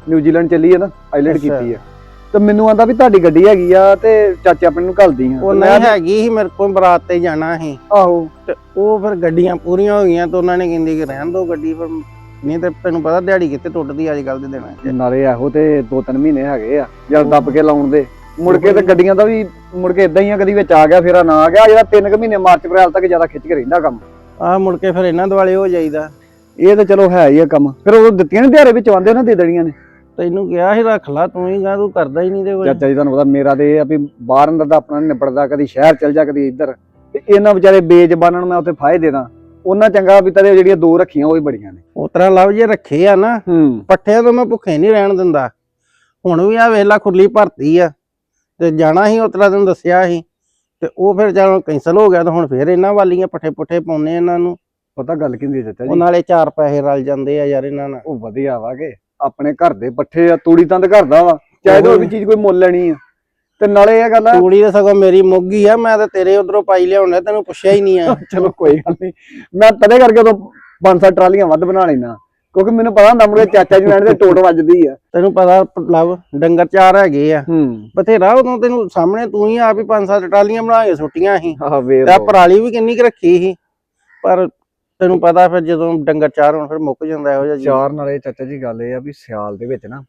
Speaker 2: ਨਿਊਜ਼ੀਲੈਂਡ ਚੱਲੀ ਆ ਨਾ, ਆਈਲੈਂਡ
Speaker 1: ਅੱਛਾ।
Speaker 2: ਕੀਤੀ ਆ। ਤੇ ਮੈਨੂੰ ਆਂਦਾ ਵੀ ਤੁਹਾਡੀ ਗੱਡੀ ਹੈਗੀ ਆ ਤੇ ਚਾਚੇ ਆਪਣੇ ਨੂੰ ਘੱਲਦੀ ਆ।
Speaker 1: ਉਹ
Speaker 2: ਤੇ
Speaker 1: ਨਹੀਂ
Speaker 2: ਮੈਂ-
Speaker 1: ਹੈਗੀ ਸੀ ਮੇਰੇ ਕੋਲ, ਬਰਾਤ ਤੇ ਜਾਣਾ ਸੀ
Speaker 2: ਆਹੋ
Speaker 1: ਤੇ ਉਹ ਫਿਰ ਗੱਡੀਆਂ ਪੂਰੀਆਂ ਹੋ ਗਈਆਂ ਤੇ ਉਹਨਾਂ ਨੇ ਕਹਿੰਦੀ ਕਿ ਰਹਿਣ ਦੋ ਗੱਡੀ, ਫਿਰ ਨਹੀਂ ਤੇ ਤੈਨੂੰ ਪਤਾ ਦਿਹਾੜੀ ਕਿੱਥੇ ਟੁੱਟਦੀ ਅੱਜ ਕੱਲ ਦੇ ਦਿਨਾਂ 'ਚ।
Speaker 2: ਨਾਲੇ ਇਹੋ ਤੇ ਦੋ ਤਿੰਨ ਮਹੀਨੇ ਹੈਗੇ ਆ ਜਦ ਦੱਬ ਕੇ ਲਾਉਣ ਦੇ, ਮੁੜ ਕੇ ਤੇ ਗੱਡੀਆਂ ਦਾ ਵੀ ਮੁੜ ਕੇ ਇਦਾਂ ਹੀ ਆ, ਕਦੀ ਵਿੱਚ ਆ ਗਿਆ ਫੇਰ ਨਾ ਆ ਗਿਆ। ਜਿਹੜਾ ਤਿੰਨ ਕੁ ਮਹੀਨੇ ਮਾਰਚ ਅਪ੍ਰੈਲ ਤੱਕ ਜ਼ਿਆਦਾ ਖਿੱਚ ਕੇ ਰਹਿੰਦਾ ਕੰਮ।
Speaker 1: ਆਹ ਮੁੜ ਕੇ ਫਿਰ ਇਹਨਾਂ ਦੁਆਲੇ ਹੋ ਜਾਈਦਾ।
Speaker 2: ਇਹ ਤਾਂ ਚਲੋ ਹੈ ਹੀ ਆ ਕੰਮ। ਫਿਰ ਉਹ ਦਿੱਤੀਆਂ ਨੇ ਦਿਹਾੜੇ ਵਿੱਚ ਆਉਂਦੇ ਉਹਨਾਂ ਦੇ ਦੇਣੀਆਂ ਨੇ।
Speaker 1: ਤੈਨੂੰ ਕਿਹਾ ਸੀ ਰੱਖ ਲਾ, ਤੂੰ ਹੀ ਗਾ, ਤੂੰ ਕਰਦਾ ਹੀ ਨਹੀਂ ਤੇ ਕੋਈ।
Speaker 2: ਚਾਚਾ ਜੀ ਤੁਹਾਨੂੰ ਪਤਾ ਮੇਰਾ ਤੇ ਇਹ ਆ ਵੀ ਬਾਹਰ ਅੰਦਰ ਦਾ ਆਪਣਾ ਨੀ ਨਿਬੜਦਾ, ਕਦੀ ਸ਼ਹਿਰ ਚਲ ਜਾ ਕਦੀ ਇੱਧਰ, ਤੇ ਇਹਨਾਂ ਵਿਚਾਰੇ ਬੇਜ਼ਬਾਨਾਂ ਨੂੰ ਮੈਂ ਉੱਥੇ ਫਾਇਦੇ ਦੇ ਦਾਂ। ਉਹਨਾਂ ਚੰਗਾ ਵੀ ਤੇਰੇ ਜਿਹੜੀਆਂ ਦੋ ਰੱਖੀਆਂ ਉਹ ਹੀ ਬੜੀਆਂ ਨੇ।
Speaker 1: ਉਸ ਤਰ੍ਹਾਂ ਲਵ ਜੇ ਰੱਖੇ ਆ ਨਾ
Speaker 2: ਹੂੰ
Speaker 1: ਪੱਠਿਆਂ ਤੋਂ ਮੈਂ ਭੁੱਖੇ ਨਹੀਂ ਰਹਿਣ ਦਿੰਦਾ। ਹੁਣ ਵੀ ਆ ਵੇਲਾ ਖੁਰਲੀ ਭਰਤੀ ਆ ਤੇ ਜਾਣਾ ਸੀ ਉਸ ਤਰ੍ਹਾਂ ਤੈਨੂੰ ਦੱਸਿਆ ਸੀ, ਤੇ ਉਹ ਫਿਰ ਜਦੋਂ ਕੈਂਸਲ ਹੋ ਗਿਆ ਤਾਂ ਹੁਣ ਫਿਰ ਇਹਨਾਂ ਵਾਲੀਆਂ ਪੱਠੇ ਪੁੱਠੇ ਪਾਉਣੇ ਇਹਨਾਂ ਨੂੰ।
Speaker 2: ਪਤਾ ਗੱਲ ਕੀ ਹੁੰਦੀ ਚਾਚਾ
Speaker 1: ਉਹ
Speaker 2: ਜੀ,
Speaker 1: ਨਾਲੇ ਚਾਰ ਪੈਸੇ ਰਲ ਜਾਂਦੇ ਆ ਯਾਰ ਇਹਨਾਂ ਨਾਲ।
Speaker 2: ਉਹ ਵਧੀਆ ਵਾ ਕਿ ਆਪਣੇ ਘਰ ਦੇ ਪੱਠੇ ਆ, ਤੂੜੀ ਤੰਦ ਘਰ ਦਾ ਵਾ, ਚਾਹੇ ਤਾਂ ਉਹ ਵੀ ਚੀਜ਼ ਕੋਈ ਮੁੱਲ ਲੈਣੀ ਆ। ਤੇ ਨਾਲੇ ਇਹ ਗੱਲ ਆ,
Speaker 1: ਤੂੜੀ ਤਾਂ ਸਗੋਂ ਮੇਰੀ ਮੁੱਗੀ ਆ, ਮੈਂ ਤਾਂ ਤੇਰੇ ਉਧਰੋਂ ਪਾਈ ਲਿਆਉਣਾ, ਤੈਨੂੰ ਪੁੱਛਿਆ ਹੀ ਨਹੀਂ ਆ।
Speaker 2: ਚਲੋ ਕੋਈ ਗੱਲ ਨਹੀਂ, ਮੈਂ ਤਦੇ ਕਰਕੇ ਉਦੋਂ ਪੰਜ ਸੱਤ ਟਰਾਲੀਆਂ ਵੱਧ ਬਣਾ ਲੈਣਾ, ਕਿਉਂਕਿ ਮੈਨੂੰ ਪਤਾ ਹੁੰਦਾ ਮੁੰਡੇ ਚਾਚਾ ਜੀ ਲੈਣ ਦੇ ਟੋਟ ਵੱਜਦੀ ਆ।
Speaker 1: ਤੈਨੂੰ ਪਤਾ ਲਵ ਡੰਗਰ ਚਾਰ ਹੈਗੇ ਆ
Speaker 2: ਹੂੰ
Speaker 1: ਬਥੇਰਾ, ਉਦੋਂ ਤੈਨੂੰ ਸਾਹਮਣੇ ਤੂੰ ਹੀ ਆਪ ਹੀ ਪੰਜ ਸੱਤ ਟਰਾਲੀਆਂ ਬਣਾ ਕੇ ਸੁੱਟੀਆਂ ਸੀ।
Speaker 2: ਆਹ ਵੇ
Speaker 1: ਤੇ ਪਰਾਲੀ ਵੀ ਕਿੰਨੀ ਕੁ ਰੱਖੀ ਸੀ, ਪਰ ਤੈਨੂੰ ਪਤਾ ਫਿਰ ਜਦੋਂ ਡੰਗਰ ਚਾਰ ਹੋਣ ਫਿਰ ਮੁੱਕ ਜਾਂਦਾ ਇਹੋ ਜਿਹਾ ਜੀ।
Speaker 2: ਚਾਰ ਨਾਲੇ ਚਾਚਾ ਜੀ ਗੱਲ ਇਹ ਆ ਵੀ ਸਿਆਲ ਦੇ ਵਿੱਚ ਨਾ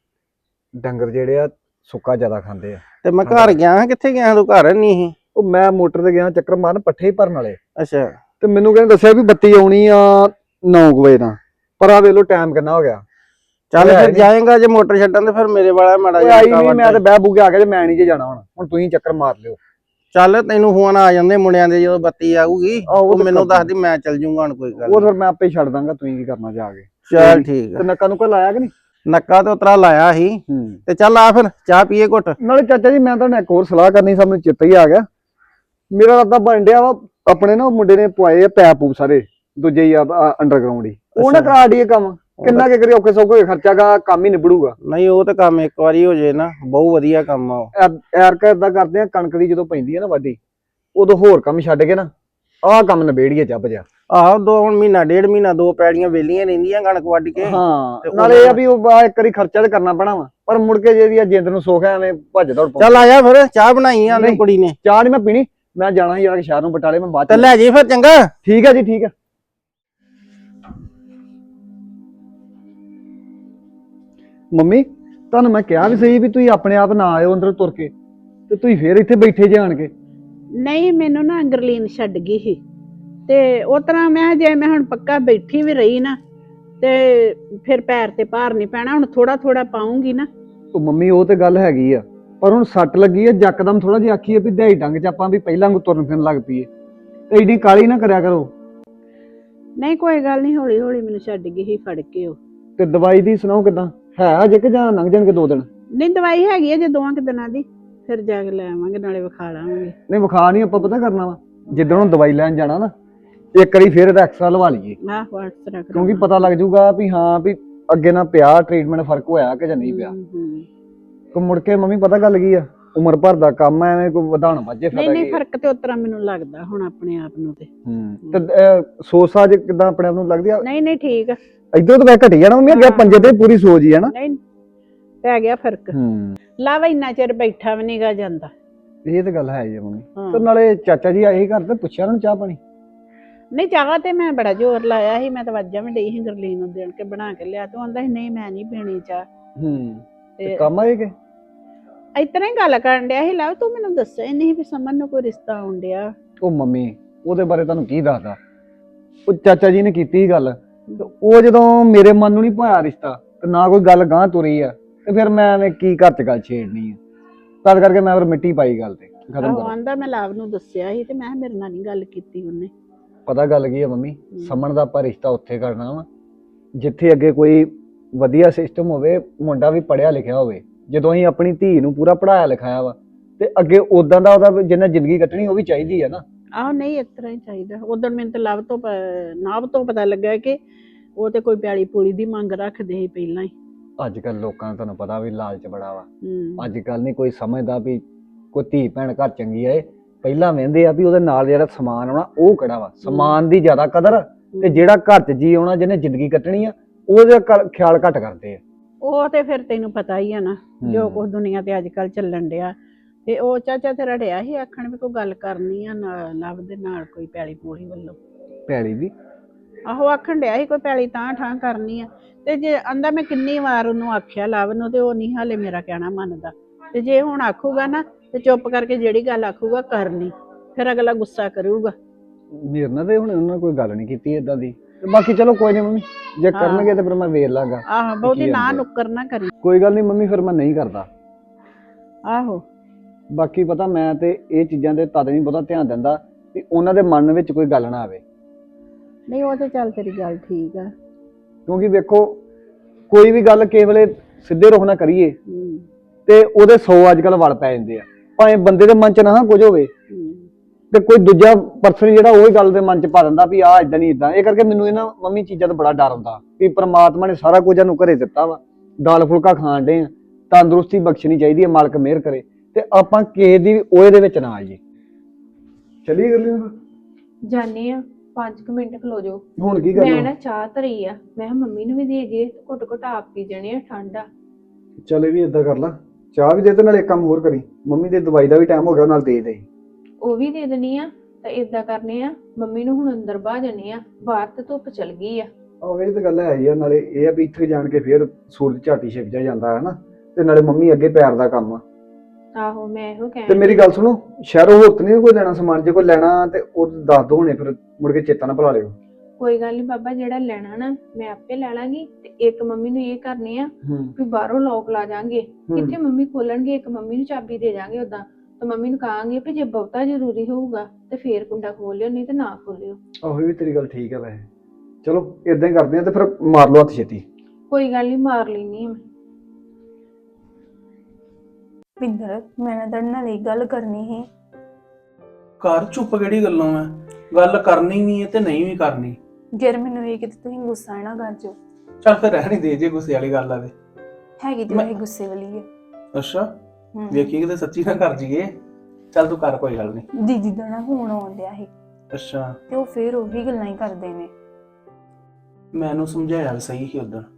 Speaker 2: ਡੰਗਰ ਜਿਹੜੇ ਆ ਸੁੱਕਾ ਜ਼ਿਆਦਾ ਖਾਂਦੇ ਆ।
Speaker 1: ਤੇ ਮੈਂ ਘਰ ਗਿਆ, ਕਿੱਥੇ ਗਿਆ ਤੂੰ? ਘਰ ਨਹੀਂ ਸੀ।
Speaker 2: ਉਹ ਮੈਂ ਮੋਟਰ ਤੇ ਗਿਆ ਚੱਕਰ ਮਾਰਨ ਪੱਠੇ ਹੀ ਭਰਨ ਵਾਲੇ,
Speaker 1: ਅੱਛਾ
Speaker 2: ਤੇ ਮੈਨੂੰ ਕਹਿੰਦੇ ਦੱਸਿਆ ਵੀ ਬੱਤੀ ਆਉਣੀ ਆ ਨੌ ਵਜੇ ਨਾਲ, ਪਰ ਆ ਵੇਖ ਲੋ ਟਾਈਮ ਕਿੰਨਾ ਹੋ ਗਿਆ।
Speaker 1: ਚੱਲ
Speaker 2: ਉਹ ਹੈ
Speaker 1: ਫਿਰ
Speaker 2: ਨੀ।
Speaker 1: ਜਾਏਗਾ ਜੇ ਮੋਟਰ ਛੱਡਣ ਤੇ ਫਿਰ ਮੇਰੇ ਵਾਲਾ ਮਾੜਾ
Speaker 2: ਉਹ ਆਈ
Speaker 1: ਜਿਹਾ
Speaker 2: ਨਹੀਂ, ਮੈਂ ਤੇ ਬਹਿ ਬੂ ਕੇ ਆ ਗਿਆ ਜੇ ਮੈਂ ਨਹੀਂ ਜੇ ਜਾਣਾ ਹੁਣ ਹੁਣ ਤੁਸੀਂ ਚੱਕਰ ਮਾਰ ਲਿਓ।
Speaker 1: ਚੱਲ ਤੈਨੂੰ ਫੋਨ ਆ ਜਾਂਦੇ ਮੁੰਡਿਆਂ ਦੇ ਜਦੋਂ ਬੱਤੀ ਆਊਗੀ,
Speaker 2: ਆਹੋ, ਉਹ
Speaker 1: ਉਹ
Speaker 2: ਤਾਂ
Speaker 1: ਮੈਨੂੰ
Speaker 2: ਕਰ
Speaker 1: ਦੱਸਦੀ, ਮੈਂ ਚੱਲ ਜੂੰਗਾ ਹੁਣ, ਕੋਈ ਗੱਲ
Speaker 2: ਉਹ
Speaker 1: ਨੀ।
Speaker 2: ਫਿਰ ਮੈਂ ਆਪੇ ਹੀ ਛੱਡ ਦਾਂਗਾ, ਤੁਸੀਂ ਕੀ ਕਰਨਾ ਜਾ ਕੇ।
Speaker 1: ਚੱਲ ਠੀਕ
Speaker 2: ਤੇ
Speaker 1: ਆ।
Speaker 2: ਨੱਕਾ ਨੂੰ ਕੋਈ ਲਾਇਆ ਕਿ ਨਹੀਂ?
Speaker 1: ਨੱਕਾ ਤੇ ਉਤਰਾ ਲਾਇਆ ਸੀ,
Speaker 2: ਹੂੰ
Speaker 1: ਤੇ ਚੱਲ ਆ ਫਿਰ ਚਾਹ ਪੀਏ ਘੁੱਟ।
Speaker 2: ਨਾਲੇ ਚਾਚਾ ਜੀ ਮੈਂ ਤੁਹਾਨੂੰ ਇੱਕ ਹੋਰ ਸਲਾਹ ਕਰਨੀ ਸੀ, ਮੈਨੂੰ ਚਿੱਤ ਹੀ ਆ ਗਿਆ। ਮੇਰਾ ਰਾਦਾ ਬਣ ਡਿਆ ਵਾ, ਆਪਣੇ ਨਾ ਮੁੰਡੇ ਨੇ ਪਵਾਏ ਆ ਪੈਪ ਪੂਪ ਸਾਰੇ ਦੂਜੇ ਹੀ ਆ ਅੰਡਰਗਰਾਉਂਡ ਹੀ, ਉਹ ਨਾ
Speaker 1: ਅੱਛਾ।
Speaker 2: ਕਰਾ ਡੀਏ ਕੰਮ। ਕਿੰਨਾ ਕਿ ਕਰੀ ਔਖੇ ਸੌਖੇ ਖਰਚਾ ਗਾ, ਕੰਮ ਹੀ ਨਿਬੜੂਗਾ।
Speaker 1: ਨਹੀਂ ਉਹ ਤੇ ਕੰਮ ਇੱਕ ਵਾਰੀ ਹੋ ਜੇ ਨਾ, ਬਹੁਤ ਵਧੀਆ ਕੰਮ ਆ ਉਹ।
Speaker 2: ਐਰਕਾ ਏਦਾਂ ਕਰਦੇ ਆ, ਕਣਕ ਦੀ ਜਦੋਂ ਪੈਂਦੀ ਹੈ ਨਾ ਵਾਢੀ, ਉਦੋਂ ਹੋਰ ਕੰਮ ਛੱਡ ਕੇ ਨਾ ਆਹ ਕੰਮ ਨਿਬੇੜੀਏ ਚੱਬ ਜਾ।
Speaker 1: ਆਹੋ ਦੋ ਹੁਣ ਮਹੀਨਾ ਡੇਢ ਮਹੀਨਾ ਦੋ ਪੈੜੀਆਂ ਵੇਲੀਆਂ ਰਹਿੰਦੀਆਂ ਕਣਕ ਵੱਢ ਕੇ।
Speaker 2: ਹਾਂ
Speaker 1: ਤੇ
Speaker 2: ਨਾਲੇ ਇਹ ਆ ਵੀ ਉਹ ਆਹ ਇੱਕ ਵਾਰੀ ਖਰਚਾ ਤੇ ਕਰਨਾ ਪੈਣਾ ਵਾ, ਪਰ ਮੁੜ ਕੇ ਜਿਹੜੀ ਆ ਜਿੰਦ ਨੂੰ ਸੁੱਖ ਐਵੇਂ ਭੱਜ ਦੌੜ ਪਾਉਂਦਾ।
Speaker 1: ਚੱਲ ਆ ਜਾ ਫਿਰ, ਚਾਹ ਬਣਾਈ ਆ ਉਹਨੇ
Speaker 2: ਨਹੀਂ।
Speaker 1: ਕੁੜੀ ਨੇ।
Speaker 2: ਚਾਹ ਨਹੀਂ ਮੈਂ ਪੀਣੀ, ਮੈਂ ਜਾਣਾ ਸੀ ਯਾਰ ਸ਼ਹਿਰ ਨੂੰ ਬਟਾਲੇ, ਮੈਂ ਬਾਅਦ
Speaker 1: ਤੇ
Speaker 2: ਚ।
Speaker 1: ਲੈ ਜੀ ਫਿਰ, ਚੰਗਾ।
Speaker 2: ਠੀਕ ਹੈ ਜੀ ਠੀਕ ਹੈ। ਮੰਮੀ ਤੁਹਾਨੂੰ ਮੈਂ ਕਿਹਾ ਵੀ ਸਹੀ ਵੀ ਤੁਸੀਂ ਆਪਣੇ ਆਪ ਨਾ ਆਇਓ ਅੰਦਰ ਤੁਰ ਕੇ, ਤੇ ਤੁਸੀਂ ਫੇਰ ਇੱਥੇ ਬੈਠੇ ਜੇ ਆਣ ਕੇ।
Speaker 6: ਨਹੀਂ ਮੈਨੂੰ ਨਾ ਗਰਲੀਨ ਛੱਡ ਗਈ ਸੀ, ਤੇ ਉਹ ਤਰ੍ਹਾਂ ਮੈਂ ਜੇ ਮੈਂ ਹੁਣ ਪੱਕਾ ਬੈਠੀ ਵੀ ਰਹੀ ਨਾ ਤੇ ਫਿਰ ਪੈਰ ਤੇ ਭਾਰ ਨਹੀਂ ਪੈਣਾ, ਹੁਣ ਥੋੜਾ ਥੋੜਾ ਪਾਉਂਗੀ ਨਾ।
Speaker 2: ਉਹ ਮੰਮੀ ਉਹ ਤੇ ਗੱਲ ਹੈਗੀ ਆ, ਪਰ ਹੁਣ ਸੱਟ ਲੱਗੀ ਆ, ਯਕਦਮ ਥੋੜਾ ਜਿਹਾ ਆਖੀਏ ਵੀ ਦਿਹਾੜੀ ਡੰਗ ਚ ਆਪਾਂ ਵੀ ਪਹਿਲਾਂ ਨੂੰ ਤੁਰਨ ਫਿਰਨ ਲੱਗ ਪਈਏ, ਤੇ ਏਡੀ ਕਾਲੀ ਨਾ ਕਰਿਆ ਕਰੋ।
Speaker 6: ਨਹੀਂ ਕੋਈ ਗੱਲ ਨਹੀਂ, ਹੌਲੀ ਹੌਲੀ ਮੈਨੂੰ ਛੱਡ ਗਈ ਸੀ ਫੜ ਕੇ ਉਹ।
Speaker 2: ਤੇ ਦਵਾਈ ਦੀ ਸੁਣਾਓ ਕਿਦਾਂ ਹੈ ਅਜੇ ਕਿ ਜਾਂ ਲੰਘ ਜਾਣਗੇ ਦੋ ਦਿਨ?
Speaker 6: ਨਹੀਂ ਦਵਾਈ ਹੈਗੀ ਹੈ ਜੇ ਦੋਵਾਂ ਕੁ ਦਿਨਾਂ ਦੀ, ਫਿਰ ਜਾ ਕੇ ਲੈ ਆਵਾਂਗੇ, ਨਾਲੇ ਵਿਖਾ ਲਾਵਾਂਗੇ।
Speaker 2: ਨਹੀਂ ਵਿਖਾ ਨਹੀਂ, ਆਪਾਂ ਪਤਾ ਕਰਨਾ ਵਾ ਜਿੱਦਣ ਨੂੰ ਦਵਾਈ ਲੈਣ ਜਾਣਾ ਨਾ, ਇੱਕ ਵਾਰੀ ਫੇਰ ਇਹਦਾ ਐਕਸਟਰਾ ਲਵਾ ਲਈਏ,
Speaker 6: ਆਹ WhatsApp ਕਰ
Speaker 2: ਕਿਉਂਕਿ ਪਤਾ ਲੱਗ ਜਾਊਗਾ ਵੀ ਹਾਂ ਵੀ ਅੱਗੇ ਨਾ ਪਿਆ ਟ੍ਰੀਟਮੈਂਟ ਫਰਕ ਹੋਇਆ ਕਿ ਜਾਂ ਨਹੀਂ ਪਿਆ। ਕੋ ਮੁੜ ਕੇ ਮੰਮੀ ਪਤਾ ਗੱਲ ਕੀ ਆ, ਉਮਰ ਭਰ ਦਾ ਕੰਮ ਐ, ਐਵੇਂ ਕੋਈ ਵਧਾਉਣ ਵਾਜੇ
Speaker 6: ਨਹੀਂ
Speaker 2: ਫਾਇਦਾ
Speaker 6: ਨਹੀਂ
Speaker 2: ਕੀ?
Speaker 6: ਫਰਕ ਤੇ ਉਤਰਾ ਮੈਨੂੰ ਲੱਗਦਾ ਹੁਣ ਆਪਣੇ ਆਪ ਨੂੰ ਤੇ।
Speaker 2: ਹੂੰ ਤੇ ਅਹ, ਸੋਚ ਸਾਜ ਕਿਦਾਂ ਆਪਣੇ ਆਪ ਨੂੰ ਲੱਗਦੀ ਆ?
Speaker 6: ਨਹੀਂ ਨਹੀਂ ਠੀਕ ਆ,
Speaker 2: ਇਧਰੋਂ ਤਾਂ ਮੈਂ ਘਟੀ ਜਾਣਾ ਮੰਮੀ, ਅੱਗੇ ਪੰਜੇ ਤੇ ਪੂਰੀ ਸੋਚ ਹੀ ਆ ਨਾ।
Speaker 6: ਨਹੀਂ ਪੈ ਗਿਆ ਫਰਕ।
Speaker 2: ਹੂੰ
Speaker 6: ਲਾਵਾ ਇੰਨਾ ਚਿਰ ਬੈਠਾ ਵੀ ਨਹੀਂਗਾ ਜਾਂਦਾ।
Speaker 2: ਇਹ ਤਾਂ ਗੱਲ ਹੈ ਹੀ ਆ ਮੰਮੀ।
Speaker 6: ਹਾਂ।
Speaker 2: ਤੇ ਨਾਲੇ ਚਾਚਾ ਜੀ ਆਏ ਘਰ ਤੇ ਪੁੱਛਿਆ ਉਹਨਾਂ ਨੂੰ ਚਾਹ ਪਾਣੀ?
Speaker 6: ਨਹੀਂ ਚਾਹ ਤੇ ਮੈਂ ਬੜਾ ਜ਼ੋਰ ਲਾਇਆ ਸੀ, ਮੈਂ ਤਾਂ ਵਾਜਾਂ ਵੀ ਡਈ ਸੀ ਗਰਲੀਨ ਨੂੰ ਦੇਣ ਕੇ ਬਣਾ ਕੇ ਲਿਆ, ਤੇ ਆਂਦਾ ਸੀ ਨਹੀਂ ਮੈਂ ਨਹੀਂ ਪੀਣੀ ਚਾਹ।
Speaker 2: ਹੂੰ ਤੇ
Speaker 6: ਤੇ
Speaker 2: ਕੰਮ ਆਏ ਕਿ?
Speaker 6: ਇਤਨਾ ਹੀ ਗੱਲ ਕਰਨ ਡਿਆ ਸੀ, ਲਵ ਤੂੰ ਮੈਨੂੰ ਦੱਸਿਆ ਹੀ ਨਹੀਂ ਵੀ ਸਮਨ ਨੂੰ ਕੋਈ ਰਿਸ਼ਤਾ ਆਉਣ ਡਿਆ।
Speaker 2: ਉਹ ਮੰਮੀ ਉਹਦੇ ਬਾਰੇ ਤੁਹਾਨੂੰ ਕੀ ਦੱਸਦਾ, ਉਹ ਚਾਚਾ ਜੀ ਨੇ ਕੀਤੀ ਗੱਲ, ਤੇ ਉਹ ਜਦੋਂ ਮੇਰੇ ਮਨ ਨੂੰ ਨਹੀਂ ਭਾਇਆ ਰਿਸ਼ਤਾ, ਤੇ ਨਾ ਕੋਈ ਗੱਲ ਗਾਂ ਤੁਰੀ ਆ, ਤੇ ਫਿਰ ਮੈਂ ਐਵੇਂ ਕੀ ਘਰ ਚ ਗੱਲ ਛੇੜਨੀ ਆ, ਤਦ ਕਰਕੇ ਮੈਂ ਫਿਰ ਮਿੱਟੀ ਪਾਈ ਗੱਲ ਤੇ ਖਤਮ
Speaker 6: ਆਹੋ
Speaker 2: ਕਰ।
Speaker 6: ਆਂਦਾ ਮੈਂ ਲਵ ਨੂੰ ਦੱਸਿਆ ਸੀ, ਤੇ ਮੈਂ ਕਿਹਾ ਮੇਰੇ ਨਾਲ ਨਹੀਂ ਗੱਲ ਕੀਤੀ ਉਹਨੇ।
Speaker 2: ਪਤਾ ਗੱਲ ਕੀ ਆ ਮੰਮੀ, ਸਮਣ ਦਾ ਆਪਾਂ ਰਿਸ਼ਤਾ ਉੱਥੇ ਕਰਨਾ ਵਾ ਜਿੱਥੇ ਅੱਗੇ ਕੋਈ ਵਧੀਆ ਸਿਸਟਮ ਹੋਵੇ, ਮੁੰਡਾ ਵੀ ਪੜ੍ਹਿਆ ਲਿਖਿਆ ਹੋਵੇ। ਜਦੋਂ ਅਸੀਂ ਆਪਣੀ ਧੀ ਨੂੰ ਪੂਰਾ ਪੜਾਇਆ ਲਿਖਾਇਆ ਵਾ, ਤੇ ਅੱਗੇ ਉਦਾਂ ਦਾ ਉਹਦਾ ਜਿੰਨਾ ਜ਼ਿੰਦਗੀ ਕੱਟਣੀ ਉਹ ਵੀ ਚਾਹੀਦੀ ਆ ਨਾ।
Speaker 6: ਆਹੋ ਨਹੀਂ ਇਸ ਤਰ੍ਹਾਂ ਹੀ ਚਾਹੀਦਾ। ਉਦੋਂ ਮੈਨੂੰ ਤਾਂ ਲਵ ਤੋਂ ਪ- ਨਾਭ ਤੋਂ ਪਤਾ ਲੱਗਾ ਕਿ ਉਹ ਤੇ ਕੋਈ ਪਿਆਲੀ ਪੂਲੀ ਦੀ ਮੰਗ ਰੱਖਦੇ ਸੀ ਪਹਿਲਾਂ ਹੀ।
Speaker 2: ਅੱਜ ਕੱਲ ਲੋਕਾਂ ਨੂੰ ਤੁਹਾਨੂੰ ਪਤਾ ਵੀ ਲਾਲਚ ਬੜਾ ਵਾ,
Speaker 6: ਹੂੰ
Speaker 2: ਅੱਜ ਕੱਲ ਨਹੀਂ ਕੋਈ ਸਮਝਦਾ ਵੀ ਕੋਈ ਧੀ ਭੈਣ ਘਰ ਚੰਗੀ ਆਏ, ਪਹਿਲਾਂ ਵਹਿੰਦੇ ਆ ਵੀ ਉਹਦੇ ਨਾਲ ਜਿਹੜਾ ਸਮਾਨ ਆਉਣਾ ਉਹ ਕਿਹੜਾ ਵਾ, ਸਮਾਨ ਦੀ ਜ਼ਿਆਦਾ ਕਦਰ, ਤੇ ਜਿਹੜਾ ਘਰ ਚ ਜੀ ਆਉਣਾ ਜਿਹਨੇ ਜ਼ਿੰਦਗੀ ਕੱਟਣੀ ਆ ਉਹਦਾ ਕ- ਖਿਆਲ ਘੱਟ ਕਰਦੇ ਆ।
Speaker 6: ਉਹ ਤੇ ਫਿਰ ਤੈਨੂੰ ਪਤਾ ਹੀ ਆ ਨਾ ਜੋ
Speaker 2: ਹੂੰ।
Speaker 6: ਕੁਝ ਦੁਨੀਆ ਤੇ ਅੱਜ ਕੱਲ ਚੱਲਣ ਡਿਆ। ਤੇ ਉਹ ਚਾਚਾ ਤੇਰਾ ਡਿਆ ਸੀ ਆਖਣ ਵੀ ਕੋਈ ਗੱਲ ਕਰਨੀ ਆ ਨਾਲ ਲਵ ਦੇ ਨਾਲ ਕੋਈ ਪੈਲੀ ਪੂਲੀ ਵੱਲੋਂ।
Speaker 2: ਪੈਲੀ ਦੀ
Speaker 6: ਆਹੋ ਆਖਣ ਡਿਆ ਸੀ ਕੋਈ ਪੈਲੀ ਤਾਂ ਠਾਂ ਕਰਨੀ ਆ। ਤੇ ਜੇ ਆਂਦਾ ਮੈਂ ਕਿੰਨੀ ਵਾਰ ਉਹਨੂੰ ਆਖਿਆ ਲਵ ਨੂੰ ਤੇ ਉਹ ਨਹੀਂ ਹਾਲੇ ਮੇਰਾ ਕਹਿਣਾ ਮੰਨਦਾ। ਤੇ ਜੇ ਹੁਣ ਆਖੂਗਾ ਨਾ ਤੇ ਚੁੱਪ ਕਰਕੇ ਜਿਹੜੀ ਗੱਲ ਆਖੂਗਾ ਕਰਨੀ, ਫਿਰ ਅਗਲਾ ਗੁੱਸਾ ਕਰੂਗਾ।
Speaker 2: ਮੇਰੇ ਨਾਲ ਤੇ ਹੁਣ ਉਹਨਾਂ ਨੇ ਕੋਈ ਗੱਲ ਨਹੀਂ ਕੀਤੀ ਏਦਾਂ ਦੀ। ਤੇ ਬਾਕੀ ਚਲੋ ਕੋਈ ਨਹੀਂ ਮੰਮੀ, ਜੇ
Speaker 6: ਹਾਂ।
Speaker 2: ਕਰਨਗੇ ਤੇ ਫਿਰ ਮੈਂ ਵੇਖ ਲਾਂਗਾ।
Speaker 6: ਆਹੋ ਬਹੁਤੀ
Speaker 2: ਕੀ
Speaker 6: ਨਾ
Speaker 2: ਆਂਦੇ?
Speaker 6: ਨੁੱਕਰ ਨਾ ਕਰੀ।
Speaker 2: ਕੋਈ ਗੱਲ ਨਹੀਂ ਮੰਮੀ, ਫਿਰ ਮੈਂ ਨਹੀਂ ਕਰਦਾ।
Speaker 6: ਆਹੋ
Speaker 2: ਬਾਕੀ ਪਤਾ ਮੈਂ ਤੇ ਇਹ ਚੀਜ਼ਾਂ ਦੇ ਤਦ ਨਹੀਂ ਬਹੁਤਾ ਧਿਆਨ ਦਿੰਦਾ ਕਿ ਉਹਨਾਂ ਦੇ ਮਨ ਵਿੱਚ ਕੋਈ ਗੱਲ ਨਾ ਆਵੇ।
Speaker 6: ਨਹੀਂ ਉਹ ਤੇ ਚੱਲ ਤੇਰੀ ਗੱਲ ਠੀਕ ਆ।
Speaker 2: ਕਿਉਂਕਿ ਵੇਖੋ ਕੋਈ ਵੀ ਗੱਲ ਕਿਸੇ ਵੇਲੇ ਸਿੱਧੇ ਰੁਖ ਨਾ ਕਰੀਏ
Speaker 6: ਹੂੰ
Speaker 2: ਤੇ ਉਹਦੇ ਸੌ ਅੱਜ ਕੱਲ ਵਲ ਪੈ ਜਾਂਦੇ ਆ। ਭਾਵੇਂ ਬੰਦੇ ਦੇ ਮਨ 'ਚ ਨਾ ਕੁਝ ਹੋਵੇ
Speaker 6: ਹੂੰ
Speaker 2: ਤੇ ਕੋਈ ਦੂਜਾ ਪਰਸਨ ਜਿਹੜਾ ਉਹ ਗੱਲ ਦੇ ਮਨ 'ਚ ਪਾ ਦਿੰਦਾ ਵੀ ਆਹ ਇਦਾਂ ਨਹੀਂ ਇਦਾਂ। ਇਹ ਕਰਕੇ ਮੈਨੂੰ ਇਹਨਾਂ ਮੰਮੀ ਚੀਜ਼ਾਂ ਤੋਂ ਬੜਾ ਡਰ ਹੁੰਦਾ ਵੀ ਪ੍ਰਮਾਤਮਾ ਨੇ ਸਾਰਾ ਕੁਝ ਸਾਨੂੰ ਘਰੇ ਦਿੱਤਾ ਵਾ, ਦਾਲ ਫੁਲਕਾ ਖਾਣ ਡੇ ਆ, ਤੰਦਰੁਸਤੀ ਬਖਸ਼ਣੀ ਚਾਹੀਦੀ ਹੈ, ਮਾਲਕ ਮਿਹਰ ਕਰੇ ਤੇ ਆਪਾਂ ਕਿਸੇ ਦੀ ਵੀ ਉਹਦੇ ਦੇ ਵਿੱਚ ਨਾ ਆਈਏ। ਚੱਲੀਏ ਗੱਲ
Speaker 5: ਜਾਨੇ ਆ ਪੰਜ ਕੁ ਮਿੰਟ ਖਲੋ ਜਾਓ।
Speaker 2: ਹੁਣ ਕੀ
Speaker 5: ਮੈਂ
Speaker 2: ਕਰਨਾ?
Speaker 5: ਨਾ ਚਾਹ ਧਰੀ ਆ, ਮੈਂ ਕਿਹਾ ਮੰਮੀ ਨੂੰ ਵੀ ਦੇ ਜੇ, ਘੁੱਟ ਘੁੱਟ ਆਪ ਪੀ ਜਾਣੇ ਆ, ਠੰਡਾ।
Speaker 2: ਚੱਲ ਇਹ ਵੀ ਏਦਾਂ ਕਰ ਲਾ, ਚਾਹ ਵੀ ਦੇ ਤੇ ਨਾਲ ਇੱਕ ਕੰਮ ਹੋਰ ਕਰੀ, ਮੰਮੀ ਦੀ ਦਵਾਈ ਦਾ ਵੀ ਟਾਈਮ ਹੋ ਗਿਆ, ਨਾਲ ਦੇ ਦੇ।
Speaker 5: ਉਹ ਵੀ ਦੇ ਦੇਣੀ ਆ। ਤਾਂ ਏਦਾਂ ਕਰਨੇ ਆ, ਮੰਮੀ ਨੂੰ ਹੁਣ ਅੰਦਰ ਬਾਹ ਜਾਣੇ ਆ, ਬਾਹਰ ਤੇ ਧੁੱਪ ਚਲ ਗਈ ਆ।
Speaker 2: ਆਹ ਇਹ ਤਾਂ ਗੱਲ ਹੈ ਹੀ ਆ। ਨਾਲੇ ਇਹ ਆ ਵੀ ਇੱਥੇ ਜਾਣ ਕੇ ਫਿਰ ਸੂਰਜ ਝਾਟੀ ਛਿਪ ਜਾ ਜਾਂਦਾ ਹੈ ਨਾ, ਤੇ ਨਾਲੇ ਮੰਮੀ ਅੱਗੇ ਪੈਰ ਦਾ ਕੰਮ ਆ।
Speaker 5: ਆਹੋ ਮੈਂ ਇਹੋ ਕਹਿਣ
Speaker 2: ਤੇ ਮੇਰੀ ਗੱਲ ਸੁਣੋ, ਸ਼ਹਿਰੋਂ ਹੋਰ ਨਹੀਂ ਕੋਈ ਲੈਣਾ ਸਮਾਨ? ਜੇ ਕੋਈ ਲੈਣਾ ਤੇ ਉਹ ਦੱਸ ਦੋ ਹੁਣੇ, ਫਿਰ ਮੁੜ ਕੇ ਚੇਤਾ ਨਾ ਭੁਲਾ ਲਿਓ।
Speaker 5: ਕੋਈ ਗੱਲ ਨਹੀਂ ਬਾਬਾ, ਜਿਹੜਾ ਲੈਣਾ ਨਾ ਮੈਂ ਆਪੇ ਲੈ ਲਾਂਗੀ। ਤੇ ਇੱਕ ਮੰਮੀ ਨੂੰ ਇਹ ਕਰਨੇ ਆ
Speaker 2: ਹੂੰ
Speaker 5: ਵੀ ਬਾਹਰੋਂ ਲੋਕ ਲਾ ਜਾਾਂਗੇ,
Speaker 2: ਹੂੰ।
Speaker 5: ਕਿੱਥੇ ਮੰਮੀ ਖੋਲਣਗੇ, ਇੱਕ ਮੰਮੀ ਨੂੰ ਚਾਬੀ ਦੇ ਜਾਾਂਗੇ ਉਦਾਂ। ਤੇ ਮੰਮੀ ਨੂੰ ਕਹਾਂਗੇ ਵੀ ਜੇ ਬਹੁਤਾ ਜ਼ਰੂਰੀ ਹੋਊਗਾ ਤੇ ਫੇਰ ਕੁੰਡਾ ਖੋਲ ਲਿਓ, ਨਹੀਂ ਤੇ ਨਾ ਖੋਲਿਓ।
Speaker 2: ਆਹੋ ਇਹ ਵੀ ਤੇਰੀ ਗੱਲ ਠੀਕ ਹੈ ਵੈਸੇ। ਚਲੋ ਇਦਾਂ ਹੀ ਕਰਦੇ ਆ ਤੇ ਫਿਰ ਮਾਰ ਲਓ ਹੱਥ ਛੇਤੀ।
Speaker 5: ਕੋਈ ਗੱਲ ਨਹੀਂ, ਮਾਰ ਲੈਣੀ ਆ ਮੈਂ।
Speaker 4: ਪਿੰਦਰ, ਮੈਂ ਨਾ ਤੁਹਾਡੇ ਨਾਲ ਇੱਕ ਗੱਲ ਕਰਨੀ ਸੀ।
Speaker 3: ਘਰ ਚੁੱਪ ਕਿਹੜੀ ਗੱਲੋਂ ਐ? ਗੱਲ ਕਰਨੀ ਵੀ ਹੈ ਤੇ ਨਹੀਂ ਵੀ ਕਰਨੀ।
Speaker 4: ਯਾਰ ਮੈਨੂੰ ਇਹ ਕਿਤੇ ਤੁਸੀਂ ਗੁੱਸਾ ਨਾ ਕਰ ਜਾਓ।
Speaker 3: ਚੱਲ ਫਿਰ ਰਹਿਣੀ ਦੇ, ਜੇ ਗੁੱਸੇ ਵਾਲੀ ਗੱਲ ਆ ਤੇ।
Speaker 4: ਹੈਗੀ ਤੇ
Speaker 3: ਮੈਂ-
Speaker 4: ਵੈਸੇ ਗੁੱਸੇ ਵਾਲੀ ਹੈ।
Speaker 3: ਅੱਛਾ,
Speaker 4: ਹਮ।
Speaker 3: ਵੇਖੀ ਕਿਤੇ ਸੱਚੀ ਨਾ ਕਰ ਜੀਏ। ਚੱਲ ਤੂੰ ਕਰ, ਕੋਈ ਗੱਲ ਨਹੀਂ।
Speaker 4: ਦੀਦੀ ਦਾ ਨਾ ਫੋਨ ਆਉਣ ਡਿਆ ਸੀ
Speaker 3: ਅੱਛਾ,
Speaker 4: ਤੇ ਉਹ ਫੇਰ ਉਹੀ ਗੱਲਾਂ ਹੀ ਕਰਦੇ ਨੇ।
Speaker 3: ਮੈਨੂੰ ਸਮਝਾਇਆ ਵੀ ਸਹੀ ਸੀ ਉਦੋਂ,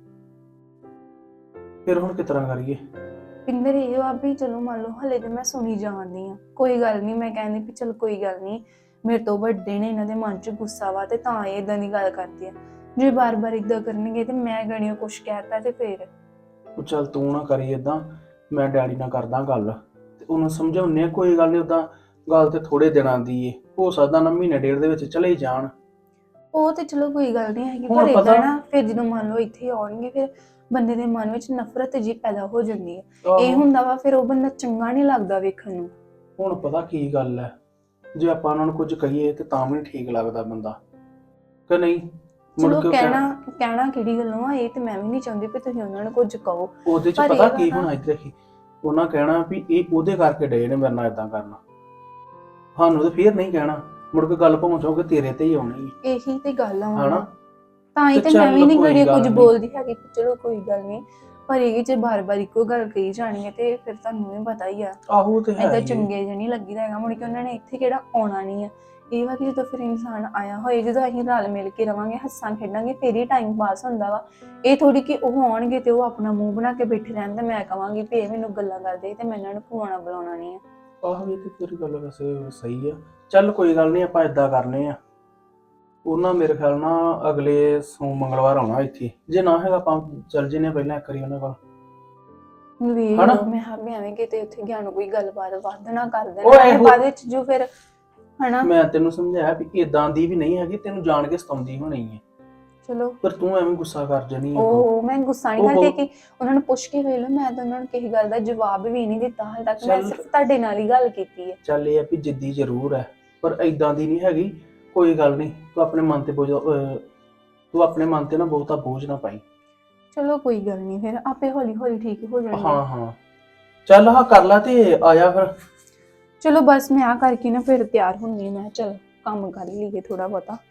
Speaker 3: ਫਿਰ ਹੁਣ ਕਿਸ ਤਰ੍ਹਾਂ ਕਰੀਏ?
Speaker 4: ਪਿੰਦਰ ਇਹ ਵਾ ਵੀ ਚਲੋ ਮੰਨ ਲਓ ਹਲੇ ਤੇ ਮੈਂ ਸੁਣੀ ਜਾਂਦੀ ਆ, ਕੋਈ ਗੱਲ ਨਹੀਂ। ਮੈਂ ਕਹਿੰਦੀ ਵੀ ਚਲ ਕੋਈ ਗੱਲ ਨਹੀਂ, ਮੇਰੇ ਤੋਂ ਵੱਡੇ ਨੇ, ਇਹਨਾਂ ਦੇ ਮਨ 'ਚ ਗੁੱਸਾ ਵਾ ਤੇ ਤਾਂ ਇਹ ਇਦਾਂ ਦੀ ਗੱਲ ਕਰਦੇ ਆ। ਜੇ ਬਾਰ-ਬਾਰ ਇਦਾਂ ਕਰਨਗੇ ਤੇ ਮੈਂ ਗਣਿਓ ਕੁਛ ਕਹਿਤਾ ਤੇ ਫੇਰ।
Speaker 3: ਉਹ ਚੱਲ ਤੂੰ ਨਾ ਕਰੀ ਏਦਾਂ, ਮੈਂ ਡੈਡੀ ਨਾਲ ਕਰਦਾ ਗੱਲ ਤੇ ਉਹਨੂੰ ਸਮਝਾਉਂਦੇ ਆ। ਕੋਈ ਗੱਲ ਨਹੀਂ, ਉਦਾਂ ਗੱਲ ਤੇ ਥੋੜੇ ਦਿਨਾਂ ਦੀ ਏ, ਹੋ ਸਕਦਾ ਨਾ ਮਹੀਨੇ ਡੇਢ ਦੇ ਵਿੱਚ ਚਲੇ ਜਾਣ।
Speaker 4: ਉਹ ਤੇ ਚਲੋ ਕੋਈ ਗੱਲ ਨਹੀਂ ਹੈਗੀ,
Speaker 3: ਹੁਣ
Speaker 4: ਪਰ
Speaker 3: ਪਤਾ-
Speaker 4: ਏਦਾਂ ਨਾ ਫਿਰ ਜਦੋਂ ਮੰਨ ਲਓ ਇੱਥੇ ਆਉਣਗੇ ਫਿਰ ਬੰਦੇ ਦੇ ਮਨ ਵਿੱਚ ਨਫ਼ਰਤ ਜੀ ਪੈਦਾ ਹੋ ਜਾਂਦੀ ਹੈ। ਇਹ
Speaker 3: ਆਹੋ,
Speaker 4: ਹੁੰਦਾ ਵਾ ਫਿਰ ਉਹ ਬੰਦਾ ਚੰਗਾ ਨਹੀਂ ਲੱਗਦਾ ਵੇਖਣ ਨੂੰ।
Speaker 3: ਹੁਣ ਪਤਾ ਕੀ ਗੱਲ ਹੈ, ਜੇ ਆਪਾਂ ਉਹਨਾਂ ਨੂੰ ਕੁਝ ਕਹੀਏ ਤੇ ਤਾਂ ਵੀ ਨਹੀਂ ਠੀਕ ਲੱਗਦਾ ਬੰਦਾ, ਕਿ ਨਹੀਂ? ਮੁੜ
Speaker 4: ਚਲੋ
Speaker 3: ਕੇ ਉਹ
Speaker 4: ਕਹਿਣਾ ਕਹਿਣਾ ਕਿਹੜੀ ਗੱਲੋਂ ਆ, ਇਹ ਤੇ ਮੈਂ ਵੀ ਨਹੀਂ ਚਾਹੁੰਦੀ ਵੀ ਤੁਸੀਂ ਉਹਨਾਂ ਨੂੰ ਕੁਝ ਕਹੋ।
Speaker 3: ਉਹਦੇ ਚ
Speaker 4: ਪਰ
Speaker 3: ਪਤਾ
Speaker 4: ਇਹ
Speaker 3: ਕੀ
Speaker 4: ਵਾ ਨਾ-
Speaker 3: ਹੋਣਾ, ਇੱਥੇ ਕੀ ਉਹਨਾਂ ਕਹਿਣਾ ਵੀ ਇਹ ਉਹਦੇ ਕਰਕੇ ਡੇ ਨੇ ਮੇਰੇ ਨਾਲ ਏਦਾਂ ਕਰਨਾ। ਸਾਨੂੰ ਤੇ ਫੇਰ ਨਹੀਂ ਕਹਿਣਾ, ਮੁੜ ਕੇ ਗੱਲ ਪਹੁੰਚੋਗੇ ਤੇਰੇ ਤੇ ਹੀ ਆਉਣੀ ਹੈ।
Speaker 4: ਇਹੀ ਤੇ ਗੱਲ ਆ
Speaker 3: ਹਨਾ?
Speaker 4: ਹੁਣ। ਤਾਂ ਹੀ
Speaker 3: ਤੇ
Speaker 4: ਤੇ ਮੈਂ
Speaker 3: ਚੱਲ
Speaker 4: ਵੀ ਨਹੀਂ
Speaker 3: ਕੋਈ
Speaker 4: ਘੜੀ
Speaker 3: ਗੱਲ
Speaker 4: ਕੁਝ
Speaker 3: ਨੀ।
Speaker 4: ਬੋਲਦੀ ਹੈਗੀ ਕਿ ਚਲੋ ਕੋਈ ਗੱਲ ਨਹੀਂ, ਪਰ ਇਹ ਜੇ ਬਾਰ-ਬਾਰ ਇੱਕੋ ਗੱਲ ਕਹੀ ਜਾਣੀ ਹੈ ਤੇ ਫਿਰ ਤੁਹਾਨੂੰ ਵੀ ਪਤਾ ਹੀ ਆ,
Speaker 3: ਆਹੋ ਤੇ ਹੈ
Speaker 4: ਏਦਾਂ
Speaker 3: ਹੀ ਹੈ।
Speaker 4: ਚੰਗੇ ਜਿਹੇ ਨਹੀਂ ਲੱਗੀਦਾ ਹੈਗਾ। ਮੁੜ ਕੇ ਉਹਨਾਂ ਨੇ ਇੱਥੇ ਕਿਹੜਾ ਆਉਣਾ ਨਹੀਂ ਆ। ਇਹ ਵਾ ਕਿ ਜਦੋਂ ਫਿਰ ਇਨਸਾਨ ਆਇਆ ਹੋਏ, ਜਦੋਂ ਅਸੀਂ ਰਲ ਮਿਲ ਕੇ ਰਵਾਂਗੇ, ਹੱਸਾਂ ਖੇਡਾਂਗੇ, ਫੇਰ ਹੀ ਟਾਈਮ ਪਾਸ ਹੁੰਦਾ ਵਾ। ਇਹ ਥੋੜੀ ਕਿ ਉਹ ਆਉਣਗੇ ਤੇ ਉਹ ਆਪਣਾ ਮੂੰਹ ਬਣਾ ਕੇ ਬੈਠੇ ਰਹਿਣ ਤੇ ਮੈਂ ਕਵਾਂਗੀ ਵੀ ਇਹ ਮੈਨੂੰ ਗੱਲਾਂ ਕਰਦੇ ਤੇ ਮੈਂ ਇਹਨਾਂ ਨੂੰ ਖਵਾਉਣਾ ਬੁਲਾਉਣਾ ਨਹੀਂ ਆ।
Speaker 3: ਆਹੋ ਇਹ ਤੇ ਤੇਰੀ ਗੱਲ ਵੈਸੇ ਸਹੀ ਆ। ਚੱਲ ਕੋਈ ਗੱਲ ਨਹੀਂ, ਆਪਾਂ ਏਦਾਂ ਕਰਨੇ ਆ। ਉਹਨਾਂ ਮੇਰੇ ਖਿਆਲ ਨਾਲ ਅਗਲੇ ਸੋਮ ਮੰਗਲਵਾਰ ਆਉਣਾ ਇੱਥੇ, ਜੇ ਨਾ ਹੈਗਾ ਆਪਾਂ ਚੱਲ ਜਨੇ ਪਹਿਲਾਂ ਇੱਕ ਵਾਰੀ ਉਹਨਾਂ ਕੋਲ।
Speaker 4: ਵੇਖ
Speaker 3: ਹਨਾ?
Speaker 4: ਲਓ, ਮੈਂ ਹਾਂ ਵੀ ਐਵੇਂ ਕਿਤੇ ਉੱਥੇ ਗਿਆ ਨੂੰ ਕੋਈ ਗੱਲਬਾਤ ਵੱਧ ਨਾ ਕਰ
Speaker 3: ਉਹ
Speaker 4: ਦੇਣਾ
Speaker 3: ਇਹੋ-
Speaker 4: ਬਾਅਦ ਵਿੱਚ ਜੋ ਫਿਰ ਹਨਾ।
Speaker 3: ਮੈਂ ਤੈਨੂੰ ਸਮਝਾਇਆ ਵੀ ਇਦਾਂ ਦੀ ਵੀ ਨਹੀਂ ਹੈਗੀ, ਤੈਨੂੰ ਜਾਣ ਕੇ ਸਤਾਉਂਦੀ ਹੋਣੀ ਹੈ,
Speaker 4: ਚਲੋ
Speaker 3: ਪਰ ਤੂੰ ਐਵੇਂ ਗੁੱਸਾ ਕਰ ਜਾਨੀ ਆ।
Speaker 4: ਉਹ ਮੈਂ ਗੁੱਸਾ ਨਹੀਂ
Speaker 3: ਉਹ
Speaker 4: ਕਰਦੀ
Speaker 3: ਬਹੁਤ-
Speaker 4: ਕਿ ਉਹਨਾਂ ਨੂੰ ਪੁੱਛ ਕੇ ਵੇਖ ਲਓ। ਮੈਂ ਤਾਂ ਉਹਨਾਂ ਨੂੰ ਕਿਸੇ ਗੱਲ ਦਾ ਜਵਾਬ ਵੀ ਨਹੀਂ ਦਿੱਤਾ ਹਾਲੇ ਤੱਕ, ਮੈਂ
Speaker 3: ਚੱਲ।
Speaker 4: ਸਿਰਫ ਤੁਹਾਡੇ ਨਾਲ ਹੀ ਗੱਲ ਕੀਤੀ ਹੈ।
Speaker 3: ਚੱਲ ਇਹ ਆ ਵੀ ਜਿੱਦੀ ਜ਼ਰੂਰ ਹੈ, ਪਰ ਇਦਾਂ ਦੀ ਨਹੀਂ ਹੈਗੀ। ਕੋਈ ਗੱਲ ਨਹੀਂ, ਤੂੰ ਆਪਣੇ ਮਨ ਤੇ ਬੋਝ ਅਹ, ਤੂੰ ਆਪਣੇ ਮਨ ਤੇ ਨਾ ਬਹੁਤਾ ਬੋਝ ਨਾ ਪਾਈ।
Speaker 4: ਚਲੋ ਕੋਈ ਗੱਲ ਨਹੀਂ, ਫਿਰ ਆਪੇ ਹੌਲੀ ਹੌਲੀ ਠੀਕ ਹੋ ਜਾਣਗੇ।
Speaker 3: ਹਾਂ ਹਾਂ, ਚੱਲ ਹਾਂ ਕਰ ਲਾ ਤੇ ਆ ਜਾ ਫਿਰ।
Speaker 4: ਚਲੋ ਬਸ ਮੈਂ ਆ ਕਰਕੇ ਨਾ ਫਿਰ ਤਿਆਰ ਹੁੰਨੀ ਹਾਂ। ਮੈਂ ਚਲ ਕੰਮ ਕਰ ਲਈਏ ਥੋੜਾ ਬਹੁਤਾ।